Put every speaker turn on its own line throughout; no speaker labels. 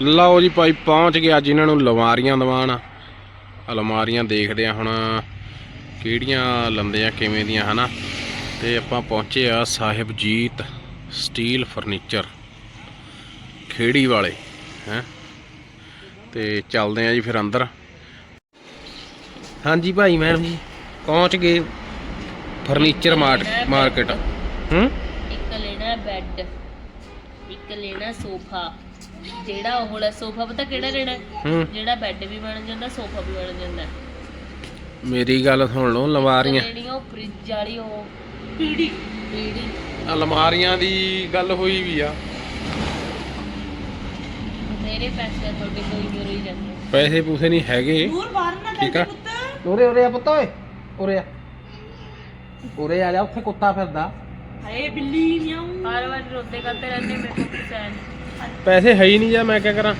ਲਓ ਜੀ ਭਾਈ ਪਹੁੰਚ ਗਏ ਅੱਜ ਇਹਨਾਂ ਨੂੰ ਅਲਮਾਰੀਆਂ ਦਵਾਣ। ਅਲਮਾਰੀਆਂ ਦੇਖਦੇ ਆ ਹੁਣ ਕਿਹੜੀਆਂ ਲੰਦੇ ਆ ਕਿਵੇਂ ਦੀਆਂ ਹਨਾ। ਤੇ ਆਪਾਂ ਪਹੁੰਚੇ ਆ ਸਾਹਿਬਜੀਤ ਸਟੀਲ ਫਰਨੀਚਰ ਖੇੜੀ ਵਾਲੇ ਹੈ। ਤੇ ਚੱਲਦੇ ਆ ਜੀ ਫਿਰ ਅੰਦਰ। ਹਾਂਜੀ ਭਾਈ ਮੈਡਮ ਜੀ ਪਹੁੰਚ ਗਏ ਫਰਨੀਚਰ ਮਾਰਕੀਟ।
ਇੱਕ ਲੈਣਾ ਬੈੱਡ, ਇੱਕ ਲੈਣਾ ਸੋਫਾ। ਜਿਹੜਾ ਉਹ ਵਾਲਾ ਸੋਫਾ ਪਤਾ ਕਿਹੜਾ ਲੈਣਾ? ਜਿਹੜਾ ਬੈੱਡ ਵੀ ਬਣ ਜਾਂਦਾ ਸੋਫਾ ਵੀ ਬਣ ਜਾਂਦਾ।
ਮੇਰੀ ਗੱਲ ਸੁਣ ਲਓ, ਅਲਮਾਰੀਆਂ
ਜਿਹੜੀਆਂ ਉਹ ਫ੍ਰਿਜ ਵਾਲੀ ਉਹ ਪੀੜੀ
ਅਲਮਾਰੀਆਂ ਦੀ ਗੱਲ ਹੋਈ ਵੀ ਆ।
ਮੇਰੇ ਪੈਸੇ ਤੁਹਾਡੇ ਕੋਈ ਨਹੀਂ ਰਹੀ ਜਾਂਦੇ।
ਪੈਸੇ ਪੂਸੇ ਨਹੀਂ ਹੈਗੇ ਠੀਕ ਆ।
ਉਰੇ ਆ ਪੁੱਤ, ਓਏ ਉਰੇ ਆ ਜਾ। ਉੱਥੇ ਕੁੱਤਾ ਫਿਰਦਾ।
ਹਾਏ ਬਿੱਲੀ ਨਿਆਉ ਹਰ ਵਾਰ ਰੋਂਦੇ ਕਰਦੇ ਰਹਿੰਦੇ ਮੇਰੇ ਕੋਲ ਪੈਸੇ
ਪੈਸੇ ਹੈ ਹੀ ਨਹੀਂ ਜਾਂ ਮੈਂ ਕੀ ਕਰਾਂ।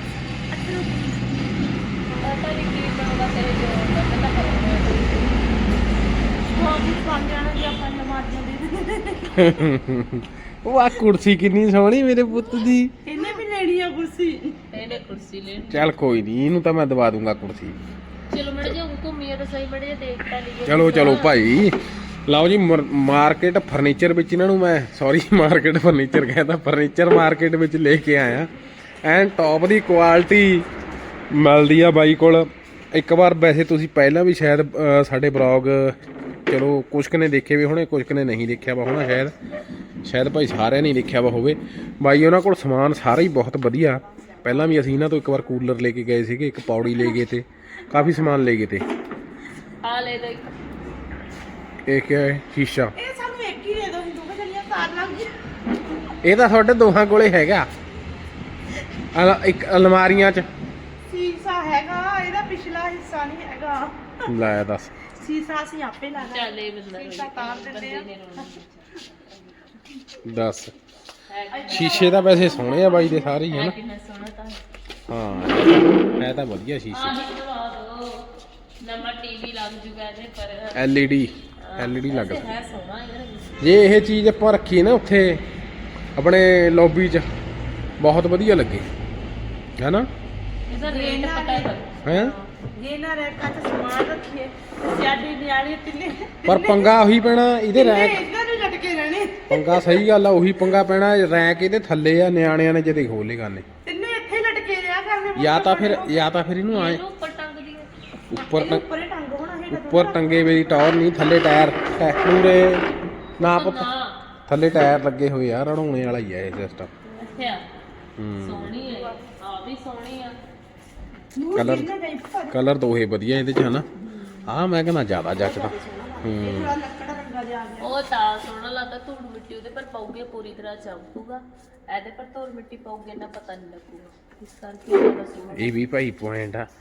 ਪਤਾ ਨਹੀਂ ਕੀ ਬਣੂਗਾ ਤੇਰੇ ਜੋ ਪਤਾ ਕਰੂੰਗਾ ਬਹੁਤ ਬਣ ਜਾਣਾ ਜੀ ਆਪਾਂ ਲਮਾਰੀਆਂ ਦੇ।
ਉਹ ਆ ਕੁਰਸੀ ਕਿੰਨੀ ਸੋਹਣੀ ਮੇਰੇ ਪੁੱਤ ਦੀ।
ਇਹਨੇ ਵੀ ਲੈਣੀ ਆ ਕੁਰਸੀ। ਇਹਨੇ ਕੁਰਸੀ ਲੈਣੀ।
ਚੱਲ ਕੋਈ ਨਹੀਂ, ਇਹਨੂੰ ਤਾਂ ਮੈਂ ਦਵਾ ਦੂੰਗਾ ਕੁਰਸੀ।
ਚਲੋ ਮੜ ਜਾ ਘੁੰਮੀਏ ਤਾਂ ਸਹੀ, ਮੜ ਜਾ ਦੇਖਤਾ ਨਹੀਂ।
ਚਲੋ ਚਲੋ ਭਾਈ। ਲਓ ਜੀ ਮਾਰਕੀਟ ਫਰਨੀਚਰ ਵਿੱਚ ਇਹਨਾਂ ਨੂੰ ਮੈਂ ਮਾਰਕੀਟ ਫਰਨੀਚਰ ਕਹਿੰਦਾ ਫਰਨੀਚਰ ਮਾਰਕੀਟ ਵਿੱਚ ਲੈ ਕੇ ਆਇਆ। ਐਨ ਟੌਪ ਦੀ ਕੁਆਲਿਟੀ ਮਿਲਦੀ ਆ ਬਾਈ ਕੋਲ। ਇੱਕ ਵਾਰ ਵੈਸੇ ਤੁਸੀਂ ਪਹਿਲਾਂ ਵੀ ਸ਼ਾਇਦ ਸਾਡੇ ਬਲੌਗ ਚਲੋ ਕੁਛ ਕੁ ਨੇ ਦੇਖੇ ਵੀ ਹੋਣੇ, ਕੁਛ ਕੁ ਨੇ ਨਹੀਂ ਦੇਖਿਆ ਵਾ ਹੋਣਾ ਸ਼ਾਇਦ ਭਾਈ ਸਾਰਿਆਂ ਨੇ ਦੇਖਿਆ ਵਾ ਹੋਵੇ। ਬਾਈ ਉਹਨਾਂ ਕੋਲ ਸਮਾਨ ਸਾਰਾ ਹੀ ਬਹੁਤ ਵਧੀਆ। ਪਹਿਲਾਂ ਵੀ ਅਸੀਂ ਇਹਨਾਂ ਤੋਂ ਇੱਕ ਵਾਰ ਕੂਲਰ ਲੈ ਕੇ ਗਏ ਸੀਗੇ, ਇੱਕ ਪੌੜੀ ਲੈ ਗਏ ਤੇ ਕਾਫੀ ਸਮਾਨ ਲੈ ਗਏ ਤੇ।
ਆ ਲੈ ਦੋ
ਇਹ ਕੀ ਹੈ? ਸ਼ੀਸ਼ਾ।
ਇਹ ਸਾਨੂੰ ਇੱਕ ਹੀ ਦੇ ਦੋ, ਹਿੰਦੂ ਕਾ ਚਲੀਆਂ ਤਾਰ ਲੱਗ ਗਈ।
ਇਹ ਤਾਂ ਤੁਹਾਡੇ ਦੋਹਾਂ ਕੋਲੇ ਹੈਗਾ। ਇੱਕ ਅਲਮਾਰੀਆਂ 'ਚ
ਸੀਸਾ ਹੈਗਾ, ਇਹਦਾ ਪਿਛਲਾ ਹਿੱਸਾ ਨਹੀਂ ਹੈਗਾ।
ਲੈ ਦੱਸ।
ਸੀਸਾ ਅਸੀਂ ਆਪੇ ਲਾਣਾ।
ਚੱਲ ਇਹ ਬੰਦਾ
ਸੀਸਾ ਤਾਰ ਦਿੰਦੇ ਆ।
ਦੱਸ ਸ਼ੀਸ਼ੇ ਤਾਂ ਵੈਸੇ ਸੋਹਣੇ ਆ ਬਾਈ ਦੇ ਸਾਰੇ ਹੀ ਹਨਾ।
ਕਿੰਨਾ ਸੋਹਣਾ ਤਾਂ
ਹਾਂ ਇਹ ਤਾਂ ਵਧੀਆ ਸ਼ੀਸ਼ੇ।
ਆਹ ਲਵਾ ਦੋ, ਨਵਾਂ ਟੀਵੀ ਲੱਗ ਜੂਗਾ ਇਹਦੇ ਪਰ।
ਐਲਈਡੀ ਲੱਗ
ਹੈ ਸੋਹਣਾ ਯਾਰ।
ਜੇ ਇਹ ਚੀਜ਼ ਆਪਾਂ ਰੱਖੀਏ ਨਾ ਉੱਥੇ ਆਪਣੇ ਲੌਬੀ 'ਚ ਬਹੁਤ ਵਧੀਆ ਲੱਗੇ ਹੈਨਾ।
ਇਹਦਾ ਰੇਟ ਪਤਾ
ਹੈ
ਇਹ ਨਾ ਰੈਕਾਂ 'ਚ ਸਮਾਨ ਰੱਖੀਏ ਸਿਆਡੀ ਨਿਆਣੀ ਤਿੰਨੇ।
ਪਰ ਪੰਗਾ ਉਹੀ ਪੈਣਾ ਇਹਦੇ ਰੈਕ।
ਇਹਨਾਂ ਨੂੰ ਲਟਕੇ ਰਹਿਣੇ।
ਪੰਗਾ ਸਹੀ ਗੱਲ ਆ, ਉਹੀ ਪੰਗਾ ਪੈਣਾ। ਰੈਕ ਇਹਦੇ ਥੱਲੇ ਆ, ਨਿਆਣਿਆਂ ਨੇ ਜਦੇ ਖੋਲੇ ਕਰਨੇ।
ਤਿੰਨੇ ਇੱਥੇ ਹੀ ਲਟਕੇ ਰਿਹਾ ਕਰਨੇ।
ਜਾਂ ਤਾਂ ਫਿਰ ਇਹਨੂੰ ਆਏ
ਉੱਪਰ ਟੰਗ ਦੀ
ਉੱਪਰੇ ਟੰਗ ਹੋਣਾ ਹੈਗਾ।
ਉੱਪਰ ਟੰਗੇ ਮੇਰੀ ਟੌਰ ਨਹੀਂ, ਥੱਲੇ ਟਾਇਰ ਪੂਰੇ ਨਾ ਪੁੱਤ। ਥੱਲੇ ਟਾਇਰ ਲੱਗੇ ਹੋਏ ਆ, ਰੜਾਉਣੇ ਵਾਲਾ ਹੀ ਆ ਇਹ ਸਿਸਟਮ।
ਅੱਛਾ ਸੋਹਣੀ ਹੈ ਆ ਵੀ ਸੋਹਣੀ ਆ।
ਕਲਰ ਦੋਹੇ ਵਧੀਆ ਇਹਦੇ 'ਚ ਹਨਾ। ਆਹ ਮੈਂ ਕਹਿੰਦਾ ਜ਼ਿਆਦਾ ਜੱਚਦਾ।
ਲੱਕੜਾ ਰੰਗਾ ਜਿਹਾ ਆ ਗਿਆ।
ਉਹ ਤਾਂ ਸੋਹਣਾ ਲੱਗਦਾ। ਧੂੜ ਮਿੱਟੀ ਉਹਦੇ ਪਰ ਪਾਉਗੇ ਪੂਰੀ ਤਰ੍ਹਾਂ ਚਮਕੂਗਾ। ਇਹਦੇ ਪਰ ਧੂੜ ਮਿੱਟੀ ਪਾਉਗੇ ਨਾ ਪਤਾ ਨਹੀਂ ਲੱਗੂਗਾ, ਇਸ ਕਰਕੇ ਉਹਦਾ ਸੋਹਣਾ।
ਇਹ ਵੀ ਭਾਈ ਪੁਆਇੰਟ ਆ।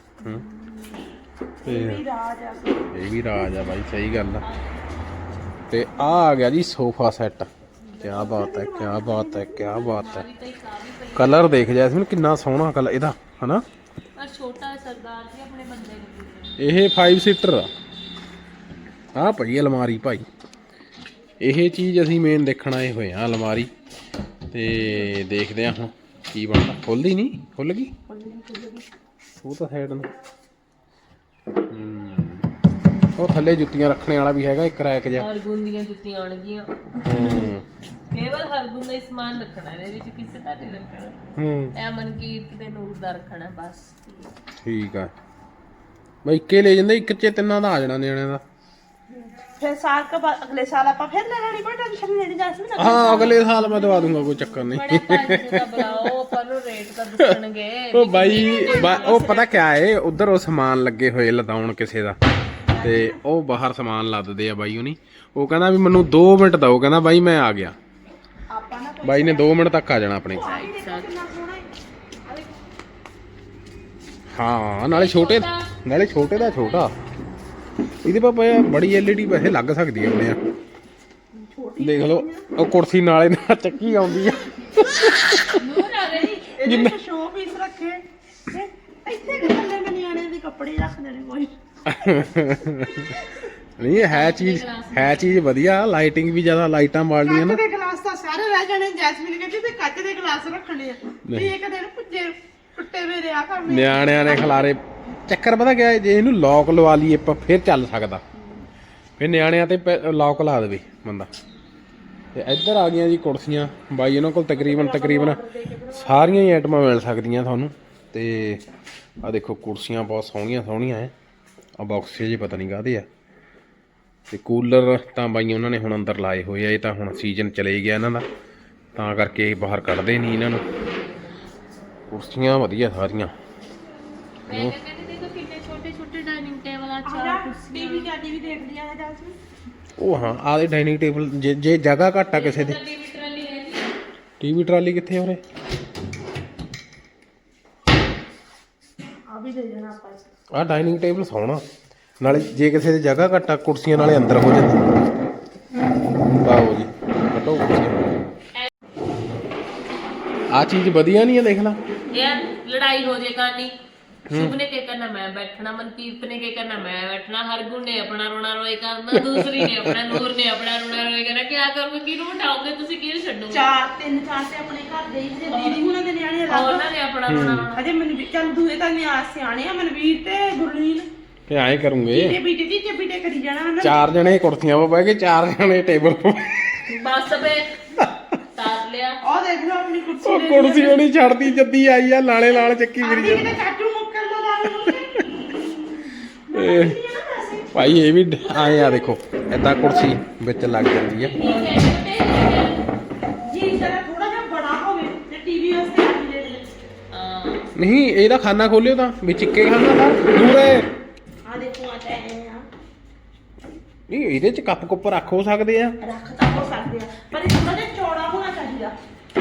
ਇਹ ਵੀ ਰਾਜ ਆ ਬਾਈ, ਸਹੀ ਗੱਲ ਆ। ਤੇ ਆ ਗਿਆ ਜੀ ਸੋਫਾ ਸੈੱਟ। ਕਿਆ ਬਾਤ ਹੈ, ਕਿਆ ਬਾਤ ਹੈ, ਕਿਆ ਬਾਤ ਹੈ। ਕਲਰ ਦੇਖ ਜੈਸਮੀਨ ਕਿੰਨਾ ਸੋਹਣਾ ਕਲਰ ਇਹਦਾ ਹਨਾ।
ਪਰ ਛੋਟਾ ਸਰਦਾਰ ਜੀ ਆਪਣੇ ਬੰਦੇ ਨੂੰ।
ਇਹ 5 ਸੀਟਰ ਆ। ਆਹ ਪਈ ਅਲਮਾਰੀ ਭਾਈ। ਇਹ ਚੀਜ਼ ਅਸੀਂ ਮੇਨ ਦੇਖਣ ਆਏ ਹੋਏ ਆ, ਅਲਮਾਰੀ। ਤੇ ਦੇਖਦੇ ਆ ਹੁਣ ਕੀ ਬਣਦਾ। ਖੁੱਲਦੀ ਨਹੀਂ? ਖੁੱਲ ਗਈ ਉਹ ਤਾਂ ਸਾਈਡ ਨੂੰ। ਉਹ ਥੱਲੇ ਜੁੱਤੀਆਂ ਰੱਖਣੇ ਵਾਲਾ ਵੀ ਹੈਗਾ ਇੱਕ ਰੈਕ ਜਿਹਾ।
ਹਰਗੁਣ ਦੀਆਂ ਜੁੱਤੀਆਂ ਆਉਣਗੀਆਂ। ਕੇਵਲ ਹਰਗੁਣ ਦਾ ਹੀ ਸਮਾਨ ਰੱਖਣਾ ਇਹਦੇ ਵਿੱਚ, ਕਿਸੇ ਦਾ ਨਹੀਂ ਰੱਖਣਾ। ਇਹ ਮਨਕੀਰਤ ਤੇ ਨੂਰ ਦਾ ਰੱਖਣਾ ਬਸ। ਠੀਕ
ਆ ਬਈ। ਇੱਕੇ ਲੈ ਜਾਂਦੇ, ਇੱਕ 'ਚ ਤਿੰਨਾਂ ਦਾ ਆ ਜਾਣਾ ਨਿਆਣਿਆਂ ਦਾ।
ਫਿਰ ਸਾਲ ਕੇ ਬਾਅਦ ਅਗਲੇ ਸਾਲ ਆਪਾਂ ਫਿਰ ਲੈ ਲੈਣੀ। ਕੋਈ ਟੈਨਸ਼ਨ ਨਹੀਂ ਲੈਣੀ ਜੈਸਮੀਨ।
ਹਾਂ ਅਗਲੇ ਸਾਲ ਮੈਂ ਦਵਾ ਦੂੰਗਾ, ਕੋਈ ਚੱਕਰ ਨਹੀਂ।
ਬੜੇ ਪੈਸੇ ਦਾ ਬੁਲਾਓ, ਪਰ ਉਹ ਰੇਟ ਤਾਂ ਦੱਸਣਗੇ।
ਉਹ ਬਾਈ ਉਹ ਪਤਾ ਕਿਆ ਏ, ਉਧਰ ਉਹ ਸਮਾਨ ਲੱਗੇ ਹੋਏ ਲਦਾਉਣ ਕਿਸੇ ਦਾ। ਤੇ ਉਹ ਬਾਹਰ ਸਮਾਨ ਲੱਦਦੇ ਆ ਬਾਈ ਹੁਣੀ। ਉਹ ਕਹਿੰਦਾ ਵੀ ਮੈਨੂੰ 2 ਮਿੰਟ ਦਓ, ਕਹਿੰਦਾ ਬਾਈ ਮੈਂ ਆ ਗਿਆ। ਬਾਈ ਨੇ 2 ਮਿੰਟ ਤੱਕ ਆ ਜਾਣਾ ਆਪਣੇ। ਹਾਂ ਨਾਲੇ ਛੋਟੇ ਦਾ ਛੋਟਾ। ਇਹਦੇ ਪਾਪਾ ਬੜੀ ਐਲਈਡੀ ਵੈਸੇ ਲੱਗ ਸਕਦੀ ਹੈ ਆਪਣੇ ਆ। ਦੇਖ ਲਓ ਉਹ ਕੁਰਸੀ ਨਾਲੇ ਨਾਲ ਚੱਕੀ ਆਉਂਦੀ ਆ।
ਨੂਰ ਆ ਗਈ।
ਇਹਦੇ ਸ਼ੋ ਪੀਸ ਰੱਖੇ ਇੱਥੇ ਕਿ ਥੱਲੇ ਮੈਂ ਨਿਆਣੇ ਦੇ ਕੱਪੜੇ ਰੱਖ ਦੇਣੇ ਕੋਈ।
ਨਹੀਂ ਹੈ ਚੀਜ਼ ਵਧੀਆ। ਲਾਈਟਿੰਗ ਵੀ ਜ਼ਿਆਦਾ, ਲਾਈਟਾਂ ਮਾਰਦੀਆਂ ਨਾ।
ਕੱਚ ਦੇ ਗਲਾਸ ਤਾਂ ਸਾਰੇ ਰਹਿ ਜਾਣੇ। ਜੈਸਮੀਨ ਕਹਿੰਦੀ ਤੇ ਕੱਚ ਦੇ ਗਲਾਸ ਰੱਖਣੇ ਆ। ਵੀ ਇੱਕ ਦਿਨ ਪੁੱਜੇ ਟੁੱਟੇ ਵੇ ਮੇਰੇ ਆ ਕੰਮ
ਨਿਆਣਿਆਂ ਨੇ ਖਿਲਾਰੇ ਚੱਕਰ ਪਤਾ ਕਿਆ ਹੈ, ਜੇ ਇਹਨੂੰ ਲੌਕ ਲਵਾ ਲਈਏ ਆਪਾਂ ਫਿਰ ਚੱਲ ਸਕਦਾ, ਫਿਰ ਨਿਆਣਿਆਂ ਤੇ ਲੌਕ ਲਾ ਦੇਵੇ ਬੰਦਾ। ਤੇ ਇੱਧਰ ਆ ਗਈਆਂ ਜੀ ਕੁਰਸੀਆਂ ਬਾਈ ਇਹਨਾਂ ਕੋਲ ਤਕਰੀਬਨ ਸਾਰੀਆਂ ਹੀ ਆਈਟਮਾਂ ਮਿਲ ਸਕਦੀਆਂ ਤੁਹਾਨੂੰ। ਤੇ ਆ ਦੇਖੋ ਕੁਰਸੀਆਂ ਬਹੁਤ ਸੋਹਣੀਆਂ ਹੈ, ਆ ਬਾਕਸ ਜੇ ਪਤਾ ਨਹੀਂ ਕਾਹਦੇ ਆ। ਤੇ ਕੂਲਰ ਤਾਂ ਬਾਈ ਉਹਨਾਂ ਨੇ ਹੁਣ ਅੰਦਰ ਲਾਏ ਹੋਏ ਆ, ਇਹ ਤਾਂ ਹੁਣ ਸੀਜ਼ਨ ਚਲੇ ਗਿਆ ਇਹਨਾਂ ਦਾ, ਤਾਂ ਕਰਕੇ ਬਾਹਰ ਕੱਢਦੇ ਨਹੀਂ ਇਹਨਾਂ ਨੂੰ। ਕੁਰਸੀਆਂ ਵਧੀਆ ਸਾਰੀਆਂ।
ਮੈਂ ਕਹਿੰਦੀ ਦੇਖੋ ਕਿੰਨੇ ਛੋਟੇ ਛੋਟੇ ਡਾਈਨਿੰਗ ਟੇਬਲ ਆ, ਚਾਰ
ਆਜਾ
ਕੁਰਸੀਆਂ।
ਟੀਵੀ ਦੇਖ ਲਿਆ ਹੈ ਜਾਸਮੀਨ।
ਉਹ ਹਾਂ ਆਹ ਡਾਈਨਿੰਗ ਟੇਬਲ ਜੇ ਜਗ੍ਹਾ ਘੱਟ ਆ ਕਿਸੇ ਦੇ।
ਟੀਵੀ ਟਰਾਲੀ ਹੈ ਜੀ,
ਟੀਵੀ ਟਰਾਲੀ ਕਿੱਥੇ ਆ ਉਰੇ?
ਆ ਵੀ ਦੇ ਦੇਣਾ ਆਪਾਂ ਇਸ
ਆਹ ਡਾਈਨਿੰਗ ਟੇਬਲ ਸੋਹਣਾ, ਨਾਲੇ ਜੇ ਕਿਸੇ ਦੀ ਜਗ੍ਹਾ ਘੱਟ ਆ ਕੁਰਸੀਆਂ ਨਾਲੇ ਅੰਦਰ ਹੋ ਜਾਂਦੀ। ਆਓ ਜੀ ਕੱਟੋ ਕੁਰਸੀਆਂ। ਆ ਚੀਜ਼ ਵਧੀਆ ਨਹੀਂ ਆ, ਦੇਖ ਲਾ।
ਯਾਰ ਲੜਾਈ ਹੋ ਜੇ ਕਰਨੀ, ਸ਼ੁਭ ਨੇ ਕੀ ਕਰਨਾ ਮੈਂ ਬੈਠਣਾ, ਮਨਕੀਰਤ ਨੇ ਕੀ ਕਰਨਾ ਮੈਂ ਬੈਠਣਾ, ਹਰਗੁਣ ਨੇ ਆਪਣਾ ਰੋਣਾ ਰੋਏ ਕਰਨਾ, ਦੂਸਰੀ ਨੇ ਆਪਣਾ, ਨੂਰ ਨੇ ਆਪਣਾ ਰੋਣਾ ਰੋਏ ਕਰਨਾ। ਕੀ ਕਰੋਗੇ, ਕਿਹਨੂੰ ਬਿਠਾਓਗੇ ਤੁਸੀਂ, ਕਿਹਨੂੰ ਛੱਡੋਗੇ?
ਤਿੰਨ ਚਾਰ ਤੇ ਆਪਣੇ ਘਰ ਦੇ ਹੀ ਤੇ ਦੀਦੀ ਹੁਣਾਂ ਦੇ ਨਿਆਣੇ ਅਲੱਗ।
ਉਹਨਾਂ ਨੇ ਆਪਣਾ ਰੋਣਾ ਰੋਣਾ।
ਅਜੇ ਮਨਵੀਰ ਚੱਲ ਦੂਏ ਤਾਂ ਨਿਆਸ ਸਿਆਣੇ ਆ, ਮਨਵੀਰ ਤੇ ਗੁਰਲੀਨ
ਤੇ ਐਂ ਕਰੂੰਗੇ,
ਤੇ ਬੀਟੇ ਕਰੀ ਜਾਣਾ ਉਹਨਾਂ ਨੇ।
4 ਜਣੇ ਕੁਰਸੀਆਂ 'ਤੇ ਬਹਿ ਕੇ 4 ਜਣੇ ਟੇਬਲ 'ਤੇ।
ਬਸ ਬੇ ਤਾਰ ਲਿਆ।
ਉਹ ਦੇਖ ਲਓ ਆਪਣੀ ਕੁਰਸੀ
ਉਹ
ਲੈ
ਕੁਰਸੀ ਉਹ ਨਹੀਂ ਛੱਡਦੀ, ਜੱਦੀ ਆਈ ਆ ਲਾਲੇ ਲਾਲ ਚੱਕੀ ਫਿਰੀ ਜਾਂਦੀ।
ਕਿਤੇ ਚਾਚੂ ਮੁੱਕਰ ਨਾ
ਇਹ ਭਾਈ ਇਹ ਵੀ ਆਏ ਆ, ਦੇਖੋ ਏਦਾਂ ਕੁਰਸੀ ਵਿੱਚ ਲੱਗ ਜਾਂਦੀ ਆ।
ਜੀ ਜਰਾ ਥੋੜਾ ਜਿਹਾ ਬੜਾ ਹੋਵੇ ਤੇ ਟੀਵੀ ਵਾਸਤੇ ਆ ਲੈ ਲੈ।
ਨਹੀਂ ਇਹਦਾ ਖਾਨਾ ਖੋਲਿਓ ਤਾਂ ਵਿੱਚ ਇੱਕੇ ਖਾਨਾ ਦਾ ਦੂਰੇ।
ਆ ਦੇਖੋ ਆ ਤਾਂ ਐ ਆ,
ਨਹੀਂ ਇਹਦੇ 'ਚ ਕੱਪ ਕੁੱਪ ਰੱਖ ਹੋ ਸਕਦੇ ਆ।
ਰੱਖ ਤਾਂ ਹੋ ਸਕਦੇ ਆ, ਪਰ ਇਹ ਥੋੜਾ ਜਿਹਾ ਚੌੜਾ ਹੋਣਾ ਚਾਹੀਦਾ।